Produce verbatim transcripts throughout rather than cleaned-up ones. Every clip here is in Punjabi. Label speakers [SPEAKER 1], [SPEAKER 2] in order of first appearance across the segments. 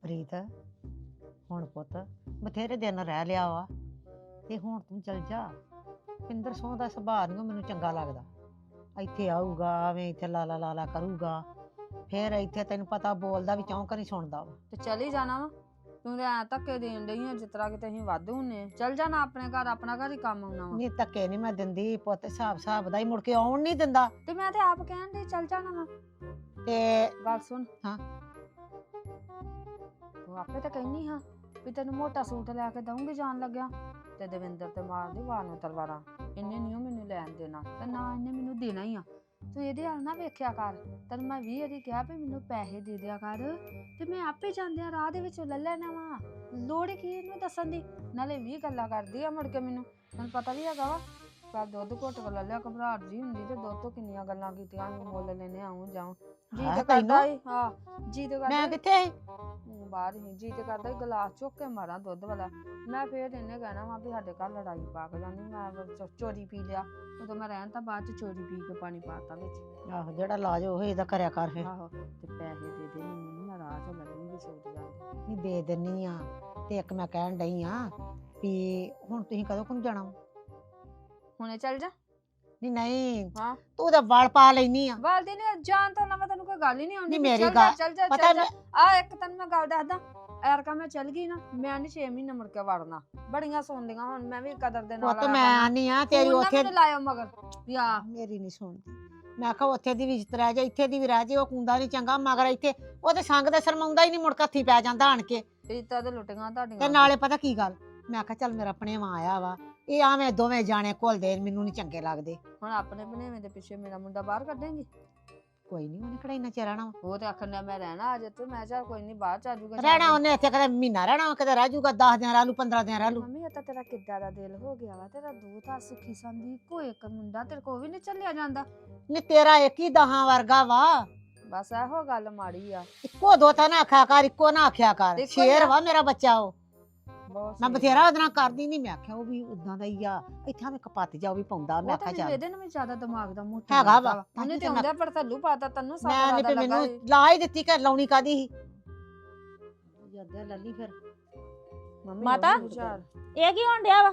[SPEAKER 1] ਪ੍ਰੀਤ ਹੁਣ ਪੁੱਤ ਬਥੇਰੇ ਦਿਨ ਰਹਿ ਲਿਆ ਵਾ ਤੇ ਹੁਣ ਤੂੰ ਚਲ ਜਾ। ਪਿੰਦਰ ਸੋਹ ਦਾ ਸੁਭਾਅ ਨਹੀਂ ਮੈਨੂੰ ਚੰਗਾ ਲੱਗਦਾ। ਇੱਥੇ ਆਊਗਾ ਐਵੇਂ ਇੱਥੇ ਲਾਲਾ ਲਾਲਾ ਕਰੂਗਾ, ਫਿਰ ਇੱਥੇ ਤੈਨੂੰ ਪਤਾ ਬੋਲਦਾ ਵੀ ਚੌਂਕ ਨਹੀਂ ਸੁਣਦਾ ਵਾ।
[SPEAKER 2] ਤੇ ਚਲੀ ਜਾਣਾ ਵਾ ਤੂੰ ਤਾਂ ਐ ਧੱਕੇ ਦੇਣ ਡਈ ਆ ਜਿਸ ਤਰ੍ਹਾਂ ਕਿ ਅਸੀਂ ਵਾਧੂ ਹੁੰਨੇ ਆ। ਚੱਲ ਜਾਣਾ ਆਪਣੇ ਘਰ, ਆਪਣਾ ਘਰ ਹੀ ਕੰਮ ਆਉਣਾ ਵਾ।
[SPEAKER 1] ਨਹੀਂ ਧੱਕੇ ਨਹੀਂ ਮੈਂ ਦਿੰਦੀ ਪੁੱਤ, ਹਿਸਾਬ ਹਿਸਾਬ ਦਾ ਹੀ ਮੁੜ ਕੇ ਆਉਣ ਨਹੀਂ ਦਿੰਦਾ।
[SPEAKER 2] ਤੇ ਮੈਂ ਤੇ ਆਪ ਕਹਿਣ ਡਈ ਚੱਲ ਜਾਣਾ ਵਾ।
[SPEAKER 1] ਤੇ
[SPEAKER 2] ਗੱਲ ਸੁਣ
[SPEAKER 1] ਹਾਂ
[SPEAKER 2] ਤੂੰ ਆਪੇ ਤਾਂ ਕਹਿਨੀ ਹਾਂ ਵੀ ਤੈਨੂੰ ਮੋਟਾ ਸੂਟ ਲੈ ਕੇ ਦਊਂਗੀ ਜਾਣ ਲੱਗਿਆ, ਤੇ ਦਵਿੰਦਰ ਤੇ ਮਾਰਦੀ ਵਾਰ ਨੂੰ ਤਲਵਾਰਾਂ। ਇਹਨੇ ਨਹੀਂ ਮੈਨੂੰ ਲੈਣ ਦੇਣਾ ਤੇ ਨਾ ਇਹਨੇ ਮੈਨੂੰ ਦੇਣਾ ਹੀ ਆ। ਤੂੰ ਇਹਦੇ ਹਾਲ ਨਾ ਵੇਖਿਆ ਕਰ। ਤੈਨੂੰ ਮੈਂ ਵੀਹ ਵਾਰੀ ਕਿਹਾ ਵੀ ਮੈਨੂੰ ਪੈਸੇ ਦੇ ਦਿਆ ਕਰ, ਤੇ ਮੈਂ ਆਪੇ ਜਾਂਦਿਆਂ ਰਾਹ ਦੇ ਵਿੱਚ ਲੈ ਲੈਣਾ ਵਾ। ਲੋੜ ਕੀ ਇਹਨੂੰ ਦੱਸਣ ਦੀ? ਨਾਲੇ ਵੀਹ ਗੱਲਾਂ ਕਰਦੀ ਆ ਮੁੜ ਕੇ ਮੈਨੂੰ ਮੈਨੂੰ ਪਤਾ ਵੀ ਹੈਗਾ ਵਾ। ਪਰ ਦੁੱਧ ਘੁੱਟ ਕੇ ਲੈ ਲਿਆ, ਘਬਰਾਹਟ ਜੀ ਹੁੰਦੀ ਤੇ ਦੁੱਧ ਤੋਂ ਕਿੰਨੀਆਂ ਗੱਲਾਂ ਕੀਤੀਆਂ, ਮੁੱਲ ਲੈਣੇ ਆਉਂ ਜਾਉਂ। ਜੀ ਤੇ ਕਰਦਾ ਹੀ ਹਾਂ ਜੀ ਤੇ ਕਰਦਾ
[SPEAKER 1] ਮੈਂ ਕਿੱਥੇ
[SPEAKER 2] ਬਾਹਰ ਹੀ ਜੀ ਤੇ ਕਰਦਾ ਗਲਾਸ ਚੁੱਕ ਕੇ ਮਾਰਾਂ ਦੁੱਧ ਵਾਲਾ। ਮੈਂ ਫੇਰ ਇਹਨੇ ਕਹਿਣਾ ਵਾ ਵੀ ਸਾਡੇ ਘਰ ਲੜਾਈ ਪਾ ਕੇ ਜਾਂਦੀ, ਮੈਂ ਚੋਰੀ ਪੀ ਲਿਆ। ਉਦੋਂ ਮੈਂ ਰਹਿਣ ਤਾਂ ਬਾਅਦ ਚ ਚੋਰੀ ਪੀ ਕੇ ਪਾਣੀ ਪਾਤਾ ਵਿੱਚ।
[SPEAKER 1] ਆਹੋ ਜਿਹੜਾ ਇਲਾਜ ਉਹ ਇਹਦਾ ਕਰਿਆ ਕਰ ਫਿਰ।
[SPEAKER 2] ਆਹੋ ਤੇ ਪੈਸੇ ਦੇ ਦੇ ਮੈਨੂੰ, ਮੈਂ ਰਾਹ ਚੋਂ ਲੱਗੂਗੀ ਸੂਟ ਜਾਂਦੀ।
[SPEAKER 1] ਨਹੀਂ ਦੇ ਦਿੰਨੀ ਆ। ਤੇ ਇੱਕ ਮੈਂ ਕਹਿਣ ਡਈ ਆ ਵੀ ਹੁਣ ਤੁਸੀਂ ਕਦੋਂ ਕੁ ਜਾਣਾ?
[SPEAKER 2] ਹੁਣੇ ਚੱਲ ਜਾ।
[SPEAKER 1] ਨਹੀਂ ਨਹੀਂ
[SPEAKER 2] ਹਾਂ
[SPEAKER 1] ਤੂੰ ਤਾਂ ਵਾਲ ਪਾ ਲੈਨੀ ਆ।
[SPEAKER 2] ਵਾਲਦੀ ਨੇ ਜਾਣ ਤੋਂ ਨਾ ਮੈਂ ਤੈਨੂੰ ਕੋਈ ਗੱਲ ਹੀ ਨਹੀਂ ਆਉਂਦੀ।
[SPEAKER 1] ਨਹੀਂ ਮੇਰੀ
[SPEAKER 2] ਚੱਲ
[SPEAKER 1] ਗੱਲ
[SPEAKER 2] ਚੱਲ ਜਾ
[SPEAKER 1] ਪਤਾ
[SPEAKER 2] ਚੱਲ ਜਾ। ਆ ਇੱਕ ਤੈਨੂੰ ਮੈਂ ਗੱਲ ਦੱਸਦਾ, ਐਰਕਾ ਮੈਂ ਚੱਲ ਗਈ ਨਾ, ਮੈਂ ਨਹੀਂ ਛੇ ਮਹੀਨੇ ਮੁੜ ਕੇ ਵੜਨਾ। ਬੜੀਆਂ ਸੁਣਦੀਆਂ ਹੁਣ ਮੈਂ ਵੀ ਕਦਰ ਦੇ ਨਾਲ।
[SPEAKER 1] ਪੁੱਤ ਮੈਂ ਆਨੀ ਆ ਤੇਰੀ ਉੱਥੇ
[SPEAKER 2] ਲਾਇਓ ਮਗਰ ਵੀ ਆ
[SPEAKER 1] ਮੇਰੀ ਨਹੀਂ ਸੁਣਦੀ। ਮੈਂ ਕਿਹਾ ਉੱਥੇ ਦੀ ਵੀ ਇੱਜ਼ਤ ਰਹਿ ਜਾ, ਇੱਥੇ ਦੀ ਵੀ ਰਹਿ ਜੇ। ਉਹ ਕੁੰਦਾ ਨਹੀਂ ਚੰਗਾ ਮਗਰ ਇੱਥੇ ਉਹ ਤੇ ਸੰਗ ਦਾ ਸ਼ਰਮਾਉਂਦਾ ਹੀ ਨਹੀਂ, ਮੁੜ ਕੇ ਹੱਥੀ ਪੈ ਜਾਂਦਾ ਆਣ ਕੇ।
[SPEAKER 2] ਇੱਜ਼ਤਾਂ ਤੇ ਲੁੱਟੀਆਂ ਤੁਹਾਡੀਆਂ।
[SPEAKER 1] ਤੇ ਨਾਲੇ ਪਤਾ ਕੀ ਗੱਲ, ਮੈਂ ਕਿਹਾ ਚੱਲ ਮੇਰਾ ਭਣੇਵਾਂ ਆਇਆ ਵਾ, ਇਹ ਆਵੇਂ ਦੋਵੇਂ ਜਾਣੇ ਘੁਲਦੇ ਮੈਨੂੰ ਨਹੀਂ ਚੰਗੇ ਲੱਗਦੇ।
[SPEAKER 2] ਹੁਣ ਆਪਣੇ ਭਣੇਵੇਂ ਦੇ ਪਿੱਛੇ ਮੇਰਾ ਮੁੰਡਾ ਬਾਹਰ ਕੱਢੇਂਗੀ?
[SPEAKER 1] ਕੋਈ ਨਹੀਂ ਉਹਨੇ ਕਿਹੜਾ ਇੰਨਾ ਚਿਰ ਰਹਿਣਾ ਵਾ।
[SPEAKER 2] ਉਹ ਤੇ ਆਖਣ ਡਿਆ ਮੈਂ ਰਹਿਣਾ ਅਜੇ ਤੇ ਮੈਂ ਚੱਲ ਕੋਈ ਨਹੀਂ ਬਾਹਰ ਚ ਆ ਜਾਊਗਾ।
[SPEAKER 1] ਰਹਿਣਾ ਉਹਨੇ ਇੱਥੇ ਕਦੇ ਮਹੀਨਾ ਰਹਿਣਾ, ਕਦੇ ਰਹਿ ਜਾਊਗਾ ਦਸ ਦਿਨ ਰਹਿ ਲੂ, ਪੰਦਰਾਂ ਦਿਨ ਰਹਿ ਲੂ।
[SPEAKER 2] ਮੰਮੀ ਇਹ ਤਾਂ ਤੇਰਾ ਕਿੱਦਾਂ ਦਾ ਦਿਲ ਹੋ ਗਿਆ ਵਾ, ਤੇਰਾ ਦੋ ਤਾਂ ਸੁਖੀ ਸੰਦੀ ਇੱਕੋ ਇੱਕ ਮੁੰਡਾ, ਤੇਰੇ ਕੋਲ ਵੀ ਨਹੀਂ ਚੱਲਿਆ ਜਾਂਦਾ।
[SPEAKER 1] ਨਹੀਂ ਤੇਰਾ ਇੱਕ ਹੀ ਦਹਾਂ ਵਰਗਾ ਵਾ।
[SPEAKER 2] ਬਸ ਇਹੋ ਗੱਲ ਮਾੜੀ ਆ।
[SPEAKER 1] ਇੱਕੋ ਦੋ ਤਾਂ ਨਾ ਆਖਿਆ ਕਰ, ਇੱਕੋ ਨਾ ਆਖਿਆ ਕਰ।
[SPEAKER 2] ਇੱਕੋ
[SPEAKER 1] ਸ਼ੇਰ
[SPEAKER 2] ਹੀ
[SPEAKER 1] ਵਾ ਮੇਰਾ ਬੱਚਾ ਉਹ।
[SPEAKER 2] ਬਹੁਤ
[SPEAKER 1] ਮੈਂ
[SPEAKER 2] ਸਹੀ।
[SPEAKER 1] ਬਥੇਰਾ ਉਹਦੇ ਨਾਲ ਕਰਦੀ ਨਹੀਂ। ਮੈਂ ਆਖਿਆ ਉਹ ਵੀ ਉਦਾਂ ਦਾ ਹੀ ਆ, ਇੱਥੇ ਮੈਂ ਕਪੱਤ ਜਾ ਉਹ ਵੀ ਪਾਉਂਦਾ। ਮੈਂ
[SPEAKER 2] ਉਹ ਤਾਂ
[SPEAKER 1] ਆਖਿਆ
[SPEAKER 2] ਮੈਨੂੰ
[SPEAKER 1] ਚੱਲ
[SPEAKER 2] ਇਹਦੇ ਨਾਲ ਵੀ ਜ਼ਿਆਦਾ ਦਿਮਾਗ ਦਾ ਮੋਟਾ
[SPEAKER 1] ਹੈਗਾ ਵਾ।
[SPEAKER 2] ਉਹਨੇ ਤੇ ਆਉਂਦਾ ਪਰ ਥੱਲੂ ਪਾਤਾ ਤੈਨੂੰ
[SPEAKER 1] ਮੈਂ
[SPEAKER 2] ਸਾਰਾ
[SPEAKER 1] ਨਹੀਂ
[SPEAKER 2] ਦਾ
[SPEAKER 1] ਤੇ
[SPEAKER 2] ਲੱਗਾ
[SPEAKER 1] ਮੈਨੂੰ ਲਾ ਹੀ ਦਿੱਤੀ ਕਿ ਲਾਉਣੀ ਕਾਦੀ ਸੀ। ਜੱਦਾ ਲੱਲੀ ਫਿਰ
[SPEAKER 2] ਮੰਮੀ
[SPEAKER 3] ਮਾਤਾ?
[SPEAKER 2] ਉਹੀ ਹੁਸ਼ਿਆਰ।
[SPEAKER 3] ਇਹ ਕੀ ਹੋਣ ਡਿਆ ਵਾ?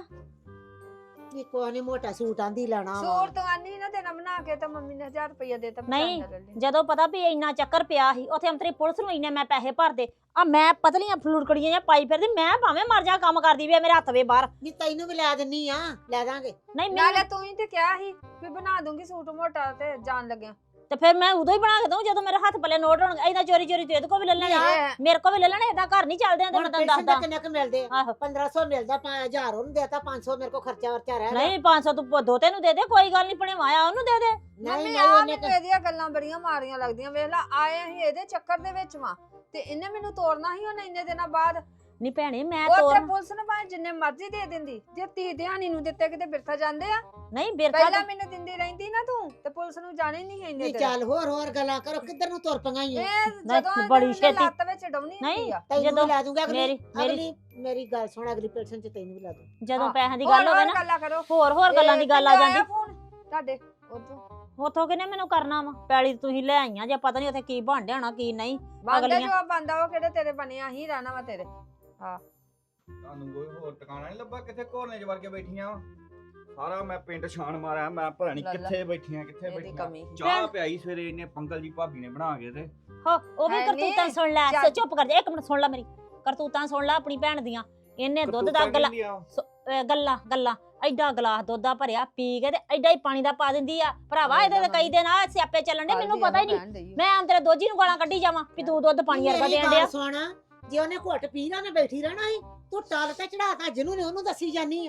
[SPEAKER 1] ਇਹ ਕੋਈ ਨਹੀਂ ਮੋਟਾ ਸੂਟ ਆਂਦੀ ਲੈਣਾ ਵਾ।
[SPEAKER 2] ਸੂਟ ਤੋਂ ਆਨੀ ਨਾ ਦੇਣਾ ਬਣਾ ਕੇ ਤਾਂ ਮੰਮੀ ਨੇ ਹਜ਼ਾਰ ਰੁਪਇਆ ਦੇਤਾ।
[SPEAKER 3] ਨਹੀਂ, ਜਦੋਂ ਪਤਾ ਵੀ ਇੰਨਾ ਚੱਕਰ ਪਿਆ ਸੀ ਉੱਥੇ ਅੰਤਰੀ ਪੁਲਿਸ ਨੂੰ ਇੰਨੇ ਮੈਂ ਪੈਸੇ ਭਰਦੇ ਆ, ਮੈਂ ਪਤਲੀਆਂ ਫਲੂੜਕੜੀਆਂ ਜਾਂ ਪਾਈ ਫਿਰਦੀ, ਮੈਂ ਭਾਵੇਂ ਮਰ ਜਾ ਕੰਮ ਕਰਦੀ ਵੀ ਮੇਰੇ ਹੱਥ ਵੇ ਬਾਹਰ।
[SPEAKER 1] ਨਹੀਂ ਤੈਨੂੰ ਵੀ ਲੈ ਦਿੰਨੀ ਆ, ਲੈ ਦਾਂਗੇ।
[SPEAKER 3] ਨਹੀਂ ਮੈਂ
[SPEAKER 2] ਨਾਲੇ ਤੂੰ ਹੀ ਤੇ ਕਿਹਾ ਸੀ ਵੀ ਬਣਾ ਦੂੰਗੀ ਸੂਟ ਮੋਟਾ ਤੇ ਜਾਣ ਲੱਗਿਆ।
[SPEAKER 3] ਤੇ ਫਿਰ ਮੈਂ ਉਦੋਂ ਹੀ ਬਣਾ ਕੇ ਦਊਂ ਜਦੋਂ ਮੇਰੇ ਹੱਥ ਪੱਲੇ ਨੋਟ ਹੋਣਗੇ। ਇਹਦਾ ਚੋਰੀ ਚੋਰੀ ਤੇ ਇਹਦੇ ਕੋ ਵੀ ਲੈ ਲੈਣੇ,
[SPEAKER 2] ਇਹ
[SPEAKER 3] ਮੇਰੇ ਕੋ ਵੀ ਲੈ ਲੈਣੇ। ਇਹਦਾ ਘਰ ਨਹੀਂ ਚੱਲਦੇ ਤੇ
[SPEAKER 1] ਹੁਣ
[SPEAKER 3] ਮੈਂ ਤੈਨੂੰ
[SPEAKER 1] ਪੈਸੇ
[SPEAKER 3] ਦੱਸਦਾ।
[SPEAKER 1] ਕਿੰਨੇ ਕੁ ਮਿਲਦੇ?
[SPEAKER 3] ਆਹੋ
[SPEAKER 1] ਪੰਦਰਾਂ ਸੌ ਮਿਲਦਾ, ਪੰਜ ਹਜ਼ਾਰ ਉਹਨੂੰ ਦੇਤਾ, ਪੰਜ ਸੌ ਮੇਰੇ ਕੋ ਖਰਚਾ ਵਰਚਾ ਰਹਿ ਗਿਆ।
[SPEAKER 3] ਨਹੀਂ ਪੰਜ ਸੌ ਤੂੰ ਦੋਤੇ ਨੂੰ ਦੇ ਦੇ, ਕੋਈ ਗੱਲ ਨਹੀਂ, ਭਣੇ ਮਾਇਆ ਉਹਨੂੰ ਦੇ ਦੇ।
[SPEAKER 1] ਨਹੀਂ
[SPEAKER 2] ਮੰਮੀ
[SPEAKER 1] ਨਹੀਂ
[SPEAKER 2] ਆ
[SPEAKER 1] ਉਹਨੇ
[SPEAKER 2] ਮੈਨੂੰ ਇਹਦੀਆਂ ਗੱਲਾਂ ਬੜੀਆਂ ਮਾਰੀਆਂ ਲੱਗਦੀਆਂ। ਵੇਖ ਲੈ ਆਏ ਅਸੀਂ ਇਹਦੇ ਚੱਕਰ ਦੇ ਵਿੱਚ ਵਾਂ ਤੇ ਇਹਨੇ ਮੈਨੂੰ ਤੋੜਨਾ ਸੀ ਉਹਨੇ ਇੰਨੇ ਦਿਨਾਂ ਬਾਅਦ।
[SPEAKER 3] ਨਹੀਂ ਭੈਣੇ ਮੈਂ
[SPEAKER 2] ਉੱਥੇ
[SPEAKER 3] ਤੋਰ
[SPEAKER 2] ਪੁਲਿਸ ਨੂੰ ਭਾਵੇਂ ਜਿੰਨੇ ਮਰਜ਼ੀ ਦੇ ਦਿੰਦੀ, ਜੇ ਧੀ ਧਿਆਣੀ ਨੂੰ ਦਿੱਤੇ ਕਿਤੇ ਬਿਰਥਾ ਜਾਂਦੇ ਆ।
[SPEAKER 3] ਨਹੀਂ ਬਿਰਤਾ
[SPEAKER 2] ਪਹਿਲਾਂ ਮੈਨੂੰ ਦਿੰਦੀ ਰਹਿੰਦੀ ਨਾ ਤੂੰ ਤੇ ਪੁਲਿਸ ਨੂੰ ਜਾਣੇ ਨਹੀਂ ਇੰਨੇ
[SPEAKER 1] ਨਹੀਂ
[SPEAKER 2] ਦਿਨ।
[SPEAKER 1] ਚੱਲ ਹੋਰ ਹੋਰ ਗੱਲਾਂ ਕਰੋ, ਕਿੱਧਰ ਨੂੰ ਤੁਰ ਪਈਆਂ ਈ ਓ?
[SPEAKER 2] ਇਹ
[SPEAKER 3] ਨਹੀਂ,
[SPEAKER 2] ਜਦੋਂ
[SPEAKER 3] ਬੜੀ
[SPEAKER 2] ਬੜੀ
[SPEAKER 3] ਛੇਤੀ।
[SPEAKER 2] ਲੱਤ ਵਿੱਚ ਡਾਉਣੀ ਹੁੰਦੀ
[SPEAKER 3] ਨਹੀਂ
[SPEAKER 2] ਆ।
[SPEAKER 1] ਤੈਨੂੰ
[SPEAKER 3] ਜਦੋਂ
[SPEAKER 1] ਵੀ ਲੈ ਦੂੰਗਾ ਅਗਲੀ
[SPEAKER 3] ਮੇਰੀ ਮੇਰੀ
[SPEAKER 1] ਅਗਲੀ ਮੇਰੀ ਗੱਲ ਸੁਣ, ਅਗਲੀ ਪਰਸਨ ਚ ਤੈਨੂੰ ਵੀ ਲੈ ਦੂੰ।
[SPEAKER 3] ਜਦੋਂ
[SPEAKER 2] ਹਾਂ,
[SPEAKER 3] ਪੈਸਿਆਂ ਦੀ
[SPEAKER 2] ਹੋਰ
[SPEAKER 3] ਗੱਲ ਹੋਵੇ
[SPEAKER 2] ਹੋਰ
[SPEAKER 3] ਨਾ,
[SPEAKER 2] ਗੱਲਾਂ ਕਰੋ।
[SPEAKER 3] ਹੋਰ ਹੋਰ ਗੱਲਾਂ ਦੀ ਗੱਲ ਆ
[SPEAKER 2] ਕਿੱਦਾਂ
[SPEAKER 3] ਜਾਂਦੀ।
[SPEAKER 2] ਆਇਆ ਫੋਨ ਤੁਹਾਡੇ ਉਦੋਂ
[SPEAKER 3] ਉਥੋਂ ਕਿਨੇ ਮੈਨੂੰ ਕਰਨਾ ਵਾ? ਪੈਲੀ ਤੁਸੀਂ ਲੈ ਆਈਆਂ ਜੇ ਪਤਾ ਨਹੀਂ ਉੱਥੇ ਕੀ ਬਣ ਡਿਆਣਾ ਕੀ ਨਹੀਂ।
[SPEAKER 2] ਬੰਦੇ
[SPEAKER 3] ਅਗਲੀਆਂ-
[SPEAKER 2] ਜੋ ਬੰਦਾ ਉਹ ਕਿਹੜੇ ਤੇਰੇ ਬਣਿਆ ਹੀ ਰਹਿਣਾ ਵਾ ਤੇਰੇ। ਹਾਂ
[SPEAKER 4] ਤੁਹਾਨੂੰ ਕੋਈ ਹੋਰ ਟਿਕਾਣਾ ਨਹੀਂ ਲੱਭਾ? ਕਿੱਥੇ ਘੋਰਨੇ ਚ ਵੜ ਕੇ ਬੈਠੀਆਂ ਵਾਂ? ਸਾਰਾ ਮੈਂ ਪਿੰਡ ਛਾਣ ਮਾਰਿਆ, ਮੈਂ ਪਤਾ ਨਹੀਂ
[SPEAKER 2] ਲੈ ਲੈ।
[SPEAKER 4] ਕਿੱਥੇ ਬੈਠੀਆਂ ਕਿੱਥੇ
[SPEAKER 2] ਇਹਦੀ
[SPEAKER 4] ਬੈਠੀਆਂ।
[SPEAKER 2] ਕਮੀ।
[SPEAKER 4] ਚਾਹ ਪਿਆਈ ਸਵੇਰੇ ਇਹਨੇ ਪੰਕਲ ਦੀ ਭਾਬੀ ਨੇ ਬਣਾ ਕੇ ਤੇ
[SPEAKER 3] ਹੋ ਉਹ ਵੀ
[SPEAKER 2] ਹੈ
[SPEAKER 3] ਕਰਤੂਤਾਂ
[SPEAKER 2] ਨੀ।
[SPEAKER 3] ਸੁਣ ਲੈ।
[SPEAKER 2] ਚੱਲ।
[SPEAKER 3] ਚੁੱਪ ਕਰ ਜਾ ਇੱਕ ਮਿੰਟ, ਸੁਣ ਲੈ ਮੇਰੀ ਕਰਤੂਤਾਂ ਸੁਣ ਲੈ ਆਪਣੀ ਭੈਣ ਦੀਆਂ। ਇਹਨੇ ਦੁੱਧ ਦਾ
[SPEAKER 4] ਕਰਤੂਤਾਂ
[SPEAKER 3] ਗਲਾ
[SPEAKER 4] ਕਹਿੰਦੀ ਆ।
[SPEAKER 3] ਅਹ ਗੱਲਾਂ ਗੱਲਾਂ ਐਡਾ ਗਲਾਸ ਦੁੱਧ ਦਾ ਭਰਿਆ ਪੀ ਕੇ ਤੇ ਐਡਾ ਹੀ ਪਾਣੀ ਦਾ ਪਾ ਦਿੰਦੀ ਆ। ਭਰਾਵਾ ਇਹਦੇ ਤੇ ਕਈ ਦਿਨ ਆ ਸਿਆਪੇ ਚੱਲਣ ਦੇ, ਮੈਨੂੰ ਪਤਾ ਹੀ ਨਹੀਂ। ਮੈਂ ਆਮ ਤੇਰੇ ਦੋਜੀ ਨੂੰ ਗਾਲਾਂ ਕੱਢੀ ਜਾਵਾਂ ਵੀ ਤੂੰ ਦੁੱਧ ਪਾਣੀ ਵਰਗਾ
[SPEAKER 1] ਮੇਰੀ
[SPEAKER 3] ਦੇਣ
[SPEAKER 1] ਗੱਲ
[SPEAKER 3] ਡਿਆ।
[SPEAKER 1] ਸੁਣ, ਜੇ ਉਹਨੇ ਘੁੱਟ ਪੀ ਨਾ ਉਹਨੇ ਬੈਠੀ ਰਹਿਣਾ ਸੀ। ਤੂੰ ਟਾਲ ਤੇ ਚੜਾਤਾ, ਜਿਹਨੂੰ ਨੇ ਉਹਨੂੰ ਦੱਸੀ ਜਾਨੀ ਆ।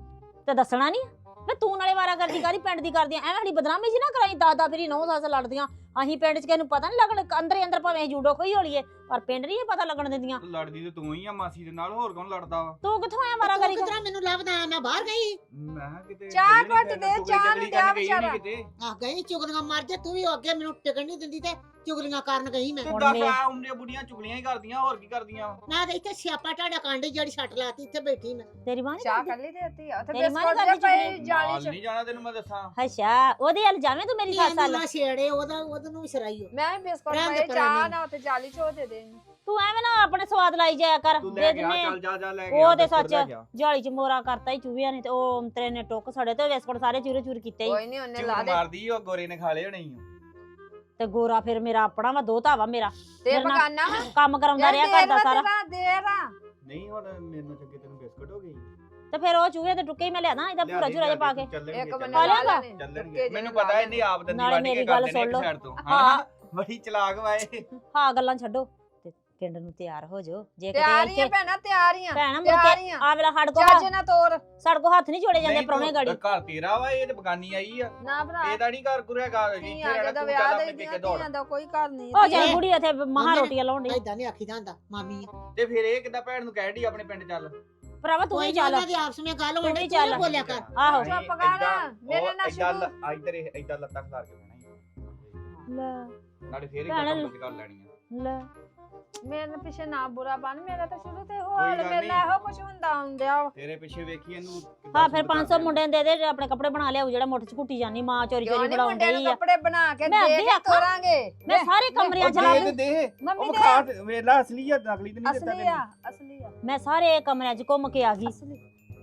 [SPEAKER 3] ਤੇ ਦੱਸਣਾ ਨਹੀਂ ਵੇ ਤੂੰ ਨਾਲੇ ਵਾਰਾ ਕਰਦੀ ਕਾਦੀ ਪਿੰਡ ਦੀ ਕਰਦੀਆਂ ਐਵੇਂ ਸਾਡੀ ਬਦਨਾਮੀ ਜੀ ਨਾ ਕਰਾਈ। ਦਾਦਾ ਫੇਰੀ ਨੌ ਸੱਸ ਲੜਦੀਆਂ, ਅਸੀਂ ਪਿੰਡ ਚ ਕਿਸੇ ਨੂੰ ਪਤਾ ਨਹੀਂ ਲੱਗਣ। ਅੰਦਰ ਹੀ ਅੰਦਰ ਭਾਵੇਂ ਜੂਡੋ ਖੋਈ ਹੋਲੀਏ ਪਰ ਪਿੰਡ ਨਹੀਂ ਪਤਾ ਲੱਗਣ ਦਿੰਦੀਆਂ।
[SPEAKER 4] ਲੜਦੀ ਤੇ ਤੂੰ ਹੀ ਆ ਮਾਸੀ ਦੇ ਨਾਲ, ਹੋਰ ਕੌਣ ਲੜਦਾ ਵਾ?
[SPEAKER 3] ਤੂੰ ਕਿੱਥੋਂ ਆਇਆ ਵਾਰਾ
[SPEAKER 1] ਤੂੰ
[SPEAKER 3] ਕਰੀ?
[SPEAKER 1] ਕਿਧਰ ਮੈਨੂੰ ਲੱਭਦਾ? ਮੈਂ ਬਾਹਰ ਗਈ।
[SPEAKER 4] ਮੈਂ ਕਿਹਾ ਕਿਤੇ
[SPEAKER 2] ਚਾਹ
[SPEAKER 4] ਗਈ ਨੀ
[SPEAKER 2] ਘੁੱਟ
[SPEAKER 4] ਫਿਰ,
[SPEAKER 2] ਦੇ,
[SPEAKER 4] ਟੁਕੜੀ
[SPEAKER 2] ਚਾਹ
[SPEAKER 4] ਟਕੜੀ
[SPEAKER 2] ਨੂੰ ਦਿਆ
[SPEAKER 4] ਕਰਨ ਗਈ ਨੀ
[SPEAKER 2] ਵਿਚਾਰਾ।
[SPEAKER 4] ਕਿਤੇ।
[SPEAKER 1] ਆ ਗਈ ਚੁਗਲੀਆਂ ਮਾਰ ਜੇ ਤੂੰ ਵੀ ਅੱਗੇ ਮੈਨੂੰ ਟਿਕਣ ਨਹੀਂ ਦਿੰਦੀ ਤੇ ਚੁਗਲੀਆਂ ਕਰਨ ਗਈ ਮੈਂ।
[SPEAKER 4] ਤੇ
[SPEAKER 3] ਹੁਣ
[SPEAKER 4] ਦੱਸ
[SPEAKER 3] ਮੈਂ-
[SPEAKER 4] ਆ ਉਮਰੀਆਂ ਬੁੱਢੀਆਂ ਚੁਗਲੀਆਂ ਹੀ ਕਰਦੀਆਂ, ਹੋਰ ਕੀ ਕਰਦੀਆਂ ਵਾ?
[SPEAKER 1] ਮੈਂ ਤੇ ਇੱਥੇ ਸਿਆਪਾ ਟਾੜਾ ਕਾਂਡੀ ਜਿਹੜੀ ਛੱਟ ਲਾਤੀ, ਇੱਥੇ ਬੈਠੀ ਮੈਂ।
[SPEAKER 3] ਤੇਰੀ ਮਾਂ ਨੀ
[SPEAKER 2] ਚਾਹ
[SPEAKER 3] ਕਰਦੀ?
[SPEAKER 2] ਕਰ ਲਈ ਦੇਤੀ ਆ ਉੱਥੇ
[SPEAKER 3] ਤੇਰੀ ਮਾਂ ਨੀ
[SPEAKER 2] ਬਿਸਕੁਟ
[SPEAKER 3] ਕਰਦੀ
[SPEAKER 2] ਜੇ ਪਏ
[SPEAKER 3] ਚੁਗਲੀ?
[SPEAKER 2] ਜਾਲੀ
[SPEAKER 4] ਨਾਲ
[SPEAKER 2] ਚ।
[SPEAKER 4] ਨਹੀਂ ਜਾਣਾ ਤੈਨੂੰ ਮੈਂ ਦੱਸਾਂ।
[SPEAKER 3] ਅੱਛਾ ਉਹਦੇ ਹਲ ਜਾਵੇਂ ਤੂੰ ਮੇਰੀ ਸੱਸ
[SPEAKER 1] ਇਹਨੂੰ
[SPEAKER 3] ਹਲ।
[SPEAKER 1] ਨਾ ਛੇੜੇ, ਉਹਦਾ ਉਹਨੂੰ ਵੀ ਸਰਾਈਓ।
[SPEAKER 2] ਮੈਂ ਵੀ ਬਿਸਕੁਟ
[SPEAKER 1] ਰਹਿਣ ਦੇ
[SPEAKER 2] ਪਏ
[SPEAKER 1] ਪਰਾਂ
[SPEAKER 2] ਚਾਹ
[SPEAKER 1] ਨਹੀਂ।
[SPEAKER 2] ਨਾ ਉੱਥੇ ਜਾਲੀ ਚ ਉਹ ਦੇ ਦੇ ਇਹਨੂੰ।
[SPEAKER 3] ਤੂੰ ਐਵੇਂ ਨਾ ਆਪਣੇ ਸਵਾਦ ਸਵਾਦ ਲਾਈ ਜਾਇਆ ਕਰ
[SPEAKER 4] ਤੂੰ
[SPEAKER 3] ਦੇ
[SPEAKER 4] ਲੈ ਗਿਆ
[SPEAKER 3] ਦਿੰਨੇ ਆ।
[SPEAKER 4] ਚੱਲ ਜਾ ਜਾ ਲੈ
[SPEAKER 3] ਉਹ
[SPEAKER 4] ਗਿਆ
[SPEAKER 3] ਤੇ
[SPEAKER 4] ਬਿਸਕੁਟ ਲੈ
[SPEAKER 3] ਸੱਚ
[SPEAKER 4] ਗਿਆ।
[SPEAKER 3] ਜਾਲੀ ਚ ਮੋਰਾ ਕਰਤਾ ਹੀ ਚੂਹਿਆਂ ਨੇ ਤੇ ਉਹ ਅੰਤਰੇ ਨੇ ਟੁੱਕ ਸੜੇ ਤੇ ਬਿਸਕੁਟ ਸਾਰੇ ਚੂਰੇ ਚੂਰ ਕੀਤੇ ਹੀ
[SPEAKER 2] ਕੋਈ ਨਹੀਂ ਉਹਨੇ ਲਾ
[SPEAKER 4] ਝੂਠ
[SPEAKER 2] ਦੇ
[SPEAKER 4] ਮਾਰਦੀ ਉਹ ਗੋਰੇ ਨੇ ਖਾ ਲਏ ਹੋਣੇ ਈ ਓ।
[SPEAKER 3] ਤੇ ਗੋਰਾ ਫਿਰ ਮੇਰਾ ਆਪਣਾ ਵਾ ਦੋਤਾ ਵਾ ਮੇਰਾ
[SPEAKER 2] ਤੇ
[SPEAKER 3] ਮੇਰੇ ਨਾਲ
[SPEAKER 2] ਪਕਾਨਾ
[SPEAKER 3] ਕੰਮ ਕਰਾਉਂਦਾ ਰਿਹਾ ਕਰਦਾ ਸਾਰਾ
[SPEAKER 2] ਦੇਰ ਆ
[SPEAKER 4] ਨਹੀਂ ਹੁਣ ਮੈਨੂੰ ਚੱਗੇ ਤੈਨੂੰ ਬਿਸਕੁਟ ਹੋ ਗਈ
[SPEAKER 3] ਤੇ ਫਿਰ ਉਹ ਚੂਹੇ ਤੇ ਟੁੱਕੇ ਹੀ ਮੈਂ ਲਿਆਦਾ ਇਹਦਾ ਪੂਰਾ ਚੂਰਾ ਜਿਹਾ ਪਾ ਕੇ
[SPEAKER 2] ਇੱਕ ਬੰਨੇ
[SPEAKER 3] ਖਾ
[SPEAKER 2] ਲਾ
[SPEAKER 3] ਲਿਆਂਗਾ?
[SPEAKER 2] ਲੈਣੇ
[SPEAKER 4] ਚੱਲਣਗੇ ਮੈਨੂੰ ਪਤਾ ਇਹਨੇ ਆਪ ਦੰਦੀ
[SPEAKER 3] ਨਾਲੇ
[SPEAKER 4] ਵੱਢ ਕੇ
[SPEAKER 3] ਮੇਰੀ
[SPEAKER 4] ਕਰ
[SPEAKER 3] ਗੱਲ
[SPEAKER 4] ਦੇਣੀ ਇੱਕ
[SPEAKER 3] ਸੁਣ ਲਓ।
[SPEAKER 4] ਸਾਈਡ ਤੋਂ
[SPEAKER 3] ਹਾਂ।
[SPEAKER 4] ਹਾਂ ਬੜੀ ਚਲਾਕ ਵਾਏ
[SPEAKER 3] ਹਾਂ ਗੱਲਾਂ ਛੱਡੋ ਤੇ ਪਿੰਡ ਨੂੰ ਤਿਆਰ ਹੋ ਜਾਓ ਜੇ ਕਿਤੇ
[SPEAKER 2] ਤਿਆਰ ਹੀ ਆ
[SPEAKER 3] ਇੱਥੇ
[SPEAKER 2] ਭੈਣਾ ਤਿਆਰ ਹੀ ਆ
[SPEAKER 3] ਭੈਣਾ ਮੁੜ
[SPEAKER 2] ਤਿਆਰ ਹੀ
[SPEAKER 3] ਕੇ
[SPEAKER 2] ਆ
[SPEAKER 3] ਆ ਵੇਲਾ ਹੱਡ ਕੋ
[SPEAKER 2] ਚਾਚੇ ਨਾ ਤੋਰ
[SPEAKER 3] ਸੜ ਕੋ ਹੱਥ ਨਹੀਂ ਜੋੜੇ ਜਾਂਦੇ ਪ੍ਰਾਹੁਣੇ ਗਾੜੀ
[SPEAKER 4] ਘਰ ਤੇਰਾ ਵਾ ਇਹ ਤੇ ਬਗਾਨੀ ਆਈ ਆ
[SPEAKER 2] ਨਾ ਭਰਾ
[SPEAKER 4] ਇਹਦਾ ਨਹੀਂ ਘਰ ਕੁਰਿਆ ਘਰ ਇੱਥੇ
[SPEAKER 2] ਧੀਆਂ
[SPEAKER 4] ਰਹਿਣਾ
[SPEAKER 2] ਦਾ
[SPEAKER 4] ਤੂੰ
[SPEAKER 2] ਵਿਆਹ
[SPEAKER 4] ਚੱਲ
[SPEAKER 2] ਦੇ
[SPEAKER 4] ਆਪਣੇ
[SPEAKER 2] ਦੀਆਂ
[SPEAKER 4] ਟਿੱਕੇ ਦੌੜ
[SPEAKER 2] ਧੀਆਂ ਦਾ ਕੋਈ ਘਰ ਨਹੀਂ
[SPEAKER 3] ਉਹ ਚੱਲ
[SPEAKER 1] ਇਹ-
[SPEAKER 3] ਬੁੜੀ ਉੱਥੇ ਮਹਾ ਰੋਟੀਆਂ ਲਾਉਣ ਡਈ
[SPEAKER 1] ਏਦਾਂ ਨਹੀਂ ਆਖੀਦਾ ਹੁੰਦਾ ਮਾਮੀ
[SPEAKER 4] ਤੇ ਫਿਰ ਇਹ ਕਿੱਦਾਂ ਭੈਣ ਨੂੰ ਕਹਿਣ ਡਈ ਆਪਣੇ ਪਿੰਡ ਚੱਲ
[SPEAKER 3] ਭਰਾਵਾ ਤੂੰ
[SPEAKER 1] ਕੋਈ
[SPEAKER 3] ਹੀ
[SPEAKER 1] ਨਹੀਂ
[SPEAKER 3] ਚੱਲ
[SPEAKER 1] ਉਹਨਾਂ ਦੀ ਆਪਸ ਵਿੱਚ ਗੱਲ
[SPEAKER 3] ਤੂੰ
[SPEAKER 1] ਹੋਣੀ
[SPEAKER 3] ਵੀ
[SPEAKER 1] ਤੂੰ ਨਾ
[SPEAKER 3] ਚੱਲ।
[SPEAKER 1] ਬੋਲਿਆ ਕਰ
[SPEAKER 3] ਆਹੋ
[SPEAKER 2] ਚੁੱਪ ਕਰ, ਮੇਰੇ ਨਾਲ ਸ਼ੁਰੂ।
[SPEAKER 4] ਇੱਧਰ ਇੱਧਰ ਲੱਤਾਂ ਖਿਲਾਰ ਕੇ ਬਹਿਣਾ ਈ।
[SPEAKER 3] ਲੈ
[SPEAKER 4] ਨਾਲੇ ਫੇਰ
[SPEAKER 3] ਭੈਣ
[SPEAKER 4] ਇੱਕ ਕੰਮ ਕਰ ਲੈਣੀਆਂ
[SPEAKER 3] ਲੈ
[SPEAKER 2] ਮੇਰੇ ਨਾਲ ਪਿੱਛੇ ਨਾ ਬੁਰਾ ਬਣ ਮੇਰਾ ਤਾਂ ਸ਼ੁਰੂ ਤੇ ਹੋ
[SPEAKER 4] ਕੋਈ
[SPEAKER 2] ਹਾਲ
[SPEAKER 4] ਗੱਲ
[SPEAKER 2] ਮੇਰੇ ਨਾਲ ਇਹੋ ਕੁਝ ਹੁੰਦਾ ਹੁੰਦਿਆ ਵਾ।
[SPEAKER 4] ਤੇਰੇ ਪਿੱਛੇ ਵੇਖੀ ਇਹਨੂੰ ਕਿੱਦਾਂ
[SPEAKER 3] ਹਾਂ ਫਿਰ
[SPEAKER 4] ਸੂਟ
[SPEAKER 3] ਪੰਜ ਸੌ
[SPEAKER 4] ਕਰਦੇ
[SPEAKER 3] ਮੁੰਡਿਆਂ ਦੇ ਦੇ ਆਪਣੇ ਕੱਪੜੇ ਬਣਾ ਲਿਆਉ ਜਿਹੜਾ ਮੁੱਠ ਚ ਘੁੱਟੀ ਜਾਨੀ ਮਾਂ ਚੋਰੀ
[SPEAKER 2] ਕਿਉਂ
[SPEAKER 3] ਚੋਰੀ
[SPEAKER 2] ਨੀ
[SPEAKER 3] ਬਣਾਉਣ
[SPEAKER 2] ਮੁੰਡਿਆਂ ਨੂੰ
[SPEAKER 3] ਡਈ ਆ
[SPEAKER 2] ਕੱਪੜੇ ਬਣਾ ਕੇ
[SPEAKER 3] ਮੈਂ
[SPEAKER 2] ਦੇ
[SPEAKER 3] ਅੱਗੇ
[SPEAKER 2] ਕੇ
[SPEAKER 3] ਆਖਾਂ।
[SPEAKER 2] ਤੋਰਾਂਗੇ
[SPEAKER 3] ਮੈਂ ਸਾਰੇ ਕਮਰਿਆਂ ਚ
[SPEAKER 4] ਉਹ
[SPEAKER 3] ਲਾ
[SPEAKER 4] ਦੇ ਦੇ ਦੇ
[SPEAKER 2] ਮੰਮੀ
[SPEAKER 4] ਉਹ
[SPEAKER 2] ਦੇ
[SPEAKER 4] ਖਾ ਵੇਲਾ ਅਸਲੀ ਆ ਨਕਲੀ ਤੇ ਨਹੀਂ ਦਿੱਤਾ
[SPEAKER 2] ਅਸਲੀ ਆ
[SPEAKER 4] ਤੈਨੂੰ
[SPEAKER 2] ਅਸਲੀ ਆ
[SPEAKER 3] ਮੈਂ ਸਾਰੇ ਕਮਰਿਆਂ ਚ ਘੁੰਮ ਕੇ ਆ ਗਈ
[SPEAKER 2] ਅਸਲੀ